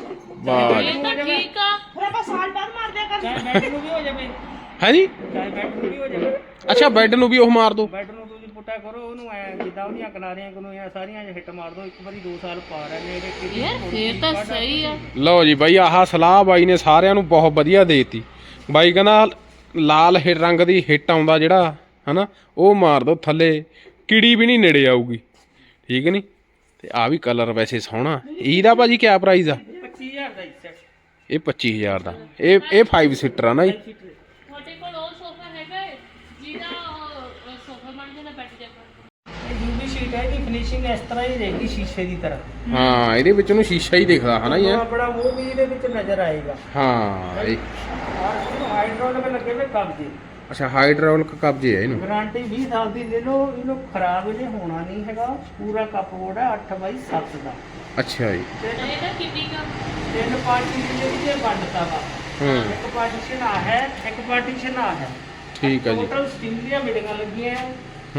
ਵਾਹ
ਇਹ ਤਾਂ ਠੀਕ ਆ।
ਫਿਰ ਆਪਾਂ ਸਾਲ ਬਾਅਦ ਮਾਰ ਦਿਆ ਕਰ।
ਚਾਹੇ ਬੈੱਡ ਨੂੰ ਵੀ ਹੋ ਜਾਵੇ,
ਹੈ ਜੀ।
ਚਾਹੇ ਬੈੱਡ ਨੂੰ ਵੀ ਹੋ ਜਾਵੇ।
ਅੱਛਾ ਬੈੱਡ ਨੂੰ ਵੀ ਉਹ ਮਾਰ ਦੋ।
ਬੈੱਡ ਨੂੰ ਤੁਸੀਂ ਪੁੱਟਾ ਕਰੋ, ਉਹਨੂੰ ਐ ਜਿੱਦਾਂ ਉਹਦੀਆਂ ਕਿਨਾਰੀਆਂ ਕੋਲੋਂ ਸਾਰੀਆਂ ਹਿੱਟ ਮਾਰ ਦੋ, ਇੱਕ ਵਾਰੀ 2 ਸਾਲ ਪਾ ਰਹੇ ਇਹਦੇ।
ਯਾਰ ਫੇਰ ਤਾਂ ਸਹੀ ਆ।
ਲਓ ਜੀ ਬਾਈ ਆਹ ਸਲਾਹ ਬਾਈ ਨੇ ਸਾਰਿਆਂ ਨੂੰ ਬਹੁਤ ਵਧੀਆ ਦੇਤੀ। ਬਾਈ ਕਹਿੰਦਾ ਲਾਲ ਰੰਗ ਦੀ ਹਿੱਟ ਆਉਂਦਾ ਜਿਹੜਾ ਹਨਾ ਉਹ ਮਾਰ ਦੋ, ਥੱਲੇ ਕੀੜੀ ਵੀ ਨਹੀਂ ਨੇੜੇ ਆਊਗੀ। ਠੀਕ ਨਹੀਂ? ਤੇ ਆ ਵੀ ਕਲਰ ਵੈਸੇ ਸੋਹਣਾ। ਇਹਦਾ ਭਾਜੀ ਕਿਆ ਪ੍ਰਾਈਸ ਆ?
25000 ਦਾ ਇੱਕ ਸੈਟ।
ਇਹ 25000 ਦਾ। ਇਹ 5 ਸੀਟਰ ਆ ਨਾ ਜੀ।
ਤੁਹਾਡੇ ਕੋਲ ਉਹ ਸੋਫਾ ਹੈਗਾ ਹੈ ਜਿਹਦਾ ਸੋਫਾ ਬਣ ਜਾਂਦਾ ਬੈਠ ਜਾਂਦਾ?
ਇਹ ਯੂਵੀ ਸ਼ੀਟ ਹੈ, ਇਹਦੀ ਫਿਨਿਸ਼ਿੰਗ ਇਸ ਤਰ੍ਹਾਂ ਹੀ ਰਹੇਗੀ ਸ਼ੀਸ਼ੇ ਦੀ ਤਰ੍ਹਾਂ।
ਹਾਂ ਇਹਦੇ ਵਿੱਚ ਨੂੰ ਸ਼ੀਸ਼ਾ ਹੀ ਦਿਖਦਾ ਹਨਾ ਜੀ।
ਆਪਣਾ ਮੂੰਹ ਵੀ ਇਹਦੇ ਵਿੱਚ ਨਜ਼ਰ ਆਏਗਾ।
ਹਾਂ ਇਹ
ਔਰ ਹਾਈਡ੍ਰੋਲਿਕ ਲੱਗੇ ਹੋਏ ਕਬਜੇ।
ਅੱਛਾ ਹਾਈਡ੍ਰੋਲਿਕ ਕਬਜੇ ਹੈ ਇਹਨੂੰ।
ਗਾਰੰਟੀ 20 ਸਾਲ ਦੀ ਲੈ ਲਓ, ਇਹਨੂੰ ਖਰਾਬ ਇਹਨੇ ਹੋਣਾ ਨਹੀਂ ਹੈਗਾ। ਪੂਰਾ ਕੱਪਬੋਰਡ ਹੈ 8x7 ਦਾ।
ਅੱਛਾ ਜੀ।
ਇਹਦਾ ਕਿੰਨੀ ਕਾ?
3 ਪਾਰਟੀਸ਼ਨ ਦੇ ਵਿੱਚ ਵੰਡਤਾ ਵਾ। ਇੱਕ ਪਾਰਟੀਸ਼ਨ ਆ ਹੈ, ਇੱਕ ਪਾਰਟੀਸ਼ਨ ਆ ਹੈ।
ਠੀਕ ਹੈ ਜੀ।
ਟੋਟਲ ਸਟੀਲ ਦੀਆਂ ਬਿਲਡਿੰਗਾਂ ਲੱਗੀਆਂ ਆ।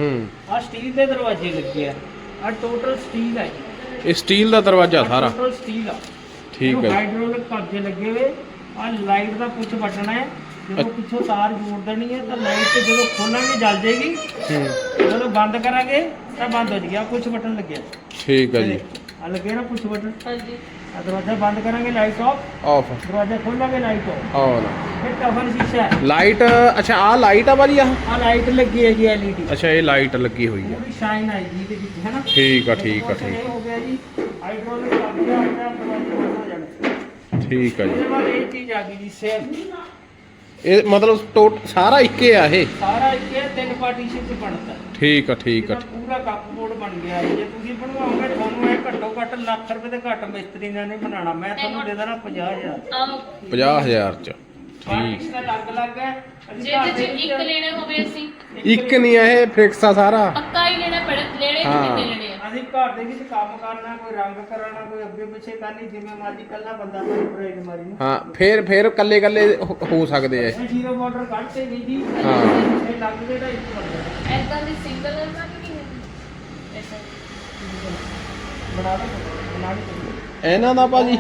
ਆ ਸਟੀਲ ਦੇ ਦਰਵਾਜ਼ੇ ਲੱਗੇ ਆ। ਆ ਟੋਟਲ ਸਟੀਲ ਹੈ ਜੀ।
ਇਹ ਸਟੀਲ ਦਾ ਦਰਵਾਜ਼ਾ ਸਾਰਾ।
ਟੋਟਲ ਸਟੀਲ ਆ।
ਠੀਕ ਹੈ।
ਹਾਈਡ੍ਰੋਲਿਕ ਕਬਜੇ ਲੱਗੇ ਹੋਏ। ਆ ਲਾਈਟ ਦਾ ਪੁੱਛ ਬਟਨ ਹੈ, ਜਦੋਂ ਪਿੱਛੋਂ ਤਾਰ ਜੋੜ ਦੇਣੀ ਹੈ ਤਾਂ ਲਾਈਟ ਜਦੋਂ ਖੋਲਾਂਗੇ ਜਲ ਜਾਏਗੀ, ਜਦੋਂ ਬੰਦ ਕਰਾਂਗੇ ਤਾਂ ਬੰਦ ਹੋ ਜਾਏਗੀ। ਆ ਪੁੱਛ ਬਟਨ ਲੱਗਿਆ।
ਠੀਕ ਹੈ ਜੀ।
ਆ ਲੱਗਿਆ ਨਾ ਪੁੱਛ ਬਟਨ।
ਹਾਂਜੀ
दरवाजा बंद करेंगे लाइट ऑफ,
ਆਫ
दरवाजा खोलेंगे लाइट ऑफ।
ਔਨ
फिर टफन शीशा है,
ਲਾਈਟ ਅੱਛਾ ਆ ਲਾਈਟ ਆ ਭਾਜੀ ਆ
आ लाइट लगी है जी एलईडी,
ਅੱਛਾ ਇਹ ਲਾਈਟ ਲੱਗੀ ਹੋਈ ਆ
पूरी शाइन आएगी ਇਹਦੇ ਵਿੱਚ है ना।
ਠੀਕ ਆ ਠੀਕ ਆ
और
ਠੀਕ
ये हो गया जी हाइड्रोलिक लग गया, अपने आप दरवाजे बंद हो जाने।
ਠੀਕ ਆ ਜੀ
उसके बाद एक चीज आ गई जी सेफ,
ਇਹ ਮਤਲਬ ਸਾਰਾ ਇੱਕੇ ਆ ਇਹ
ਸਾਰਾ ਇੱਕੇ 3 ਪਾਰਟੀਸ਼ਨ ਚ ਬਣਦਾ।
ਠੀਕ ਆ ਠੀਕ ਆ
ਇਹਦਾ ਪੂਰਾ ਕੱਪ ਬੋਰਡ ਬਣ ਗਿਆ। ਜੇ ਤੁਸੀਂ ਬਣਵਾਓਗੇ ਤੁਹਾਨੂੰ ਇਹ ਘੱਟੋ ਘੱਟ ਲੱਖ ਰੁਪਏ ਦੇ ਘੱਟ ਮਿਸਤਰੀ ਨੇ ਨਹੀਂ ਬਣਾਉਣਾ। ਮੈਂ ਤੁਹਾਨੂੰ ਦੇ ਦੇਣਾ 50,000।
ਆਹੋ
50000 ਚ ਠੀਕ
ਪਾਰਟੀਸ਼ਨ ਅਲੱਗ ਅਲੱਗ ਹੈ। ਅਸੀਂ
ਜੇ
ਘਰ
ਤੇ
ਦੇ
ਇੱਕ ਲੈਣਾ ਹੋਵੇ ਅਸੀਂ
ਇੱਕ ਨਹੀਂ ਆ ਇਹ ਫਿਕਸ ਆ ਸਾਰਾ
ਪੱਕਾ ਹੀ ਲੈਣਾ ਪੜੇ ਲੈਣੇ
ਹਾਂ।
ਕਿੰਨੇ ਲੈਣੇ ਆ
ਅਸੀਂ ਘਰ ਦੇ ਵਿੱਚ ਕੰਮ ਕਰਨਾ, ਕੋਈ ਰੰਗ ਕਰਾਉਣਾ, ਕੋਈ ਅੱਗੇ ਪਿੱਛੇ ਕਰਨੀ, ਜਿਵੇਂ ਮਰਜ਼ੀ ਕੱਲਾ ਬੰਦਾ ਕੋਈ ਬ੍ਰੇਕ ਮਾਰੀ ਨੂੰ।
ਹਾਂ ਫੇਰ ਕੱਲੇ ਕੱਲੇ ਹੋ ਸਕਦੇ ਆ
ਇਹ ਜ਼ੀਰੋ ਬਾਰਡਰ ਕੱਢਤੇ ਨਹੀਂ ਜੀ।
ਹਾਂ।
ਇਹ ਲੱਗ ਜਿਹੜਾ ਇੱਕ ਬੰਦਾ
ਐਦਾਂ ਦੀ ਸਿੰਗਲ ਨਾ ਕਿ ਨਹੀਂ ਐਸਾ
ਬਣਾ ਦੇ
ਇਹਨਾਂ ਦਾ ਭਾਜੀ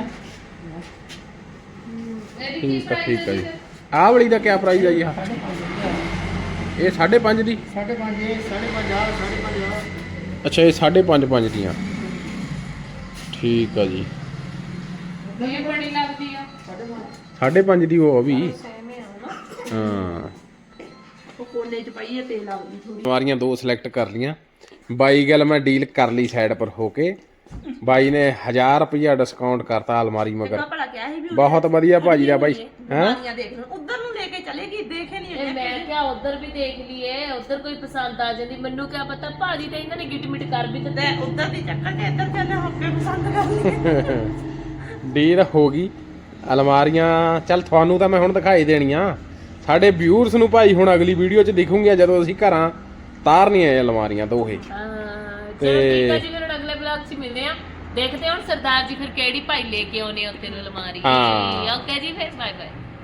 ਇਹਦੀ ਕੀ
ਠੀਕ ਆ
ਪ੍ਰਾਈਸ
ਠੀਕ ਆ ਜੀ ਆਹ ਵਾਲੀ ਦਾ ਕੀ ਪ੍ਰਾਈਸ ਆ ਜੀ ਆਹ? ਇਹ 5.5 ਦੀ
5.5 5.5
ਅੱਛਾ ਇਹ 5.5 ਦੀਆਂ ਠੀਕ ਆ ਜੀ
ਇਹ ਬੜੀ ਲੱਗਦੀ ਆ
5.5 ਦੀ ਉਹ ਵੀ
ਸੇਮ ਹੀ ਆ ਨਾ
ਹਾਂ
ਉਹ ਕੋਨੇ ਚ ਪਈ ਹੈ ਤੇਲ ਆਉਂਦੀ ਥੋੜੀ।
ਸਵਾਰੀਆਂ ਦੋ ਸਿਲੈਕਟ ਕਰ ਲੀਆਂ ਬਾਈ ਗੱਲ ਮੈਂ ਡੀਲ ਕਰ ਲਈ ਸਾਈਡ ਪਰ ਹੋ ਕੇ ਬਾਈ ਨੇ 1000 ਰੁਪਇਆ ਡਿਸਕਾਊਂਟ ਕਰਤਾ ਅਲਮਾਰੀ ਮਗਰ
ਭਲਾ ਕਿਹਾ ਸੀ ਵੀ
ਬਹੁਤ ਵਧੀਆ ਭਾਜੀ ਦਾ ਬਾਈ ਹੈਂ
ਦੁਕਾਨੀਆਂ ਦੇਖ ਲਓ, ਉਧਰ ਨੂੰ ਲੈ ਕੇ ਚਲੇਗੀ, ਦੇਖੇ ਨਹੀਂ
ਇਹ ਮੈਂ ਕਿਹਾ ਉਧਰ ਵੀ ਦੇਖ ਲਈਏ ਉਧਰ ਕੋਈ ਪਸੰਦ ਆ ਜਾਂਦੀ ਮੈਨੂੰ ਕਿਆ ਪਤਾ ਭਾਜੀ ਤਾਂ ਇਹਨਾਂ ਨੇ ਗਿਟ ਮਿਟ ਕਰ ਵੀ ਦਿੱਤੇ
ਤੇ ਉਧਰ ਦੀ ਚੱਕਰ ਕੇ ਇੱਧਰ ਚੱਲੇ ਹੋਕੇ ਪਸੰਦ ਕਰ ਲਈ।
ਡੀਲ ਹੋ ਗਈ ਅਲਮਾਰੀਆਂ ਚੱਲ ਤੁਹਾਨੂੰ ਤਾਂ ਮੈਂ ਹੁਣ ਦਿਖਾਈ ਦੇਣੀਆਂ ਸਾਡੇ ਵਿਊਅਰਸ ਨੂੰ ਭਾਈ ਹੁਣ ਅਗਲੀ ਵੀਡੀਓ 'ਚ ਦਿਖੂਗੀਆਂ ਜਦੋਂ ਅਸੀਂ ਘਰਾਂ ਤਾਰਨੀਆਂ ਇਹ ਅਲਮਾਰੀਆਂ ਦੋਹੇ
ਹਾਂ ਚਲੋ ਠੀਕ ਆ ਜੀ ਫਿਰ ਹੁਣ ਅਗਲੇ ਵਲੌਗ 'ਚ ਮਿਲਦੇ ਆ ਦੇਖਦੇ ਹਾਂ ਹੁਣ ਸਰਦਾਰ ਜੀ ਫਿਰ ਕਿਹੜੀ ਭਾਈ ਲੈ ਕੇ ਆਉਣੇ ਉੱਤੇ ਨੂੰ ਅਲਮਾਰੀ
ਹਾਂ।
ਓਕੇ ਜੀ ਫਿਰ ਬਾਏ ਬਾਏ।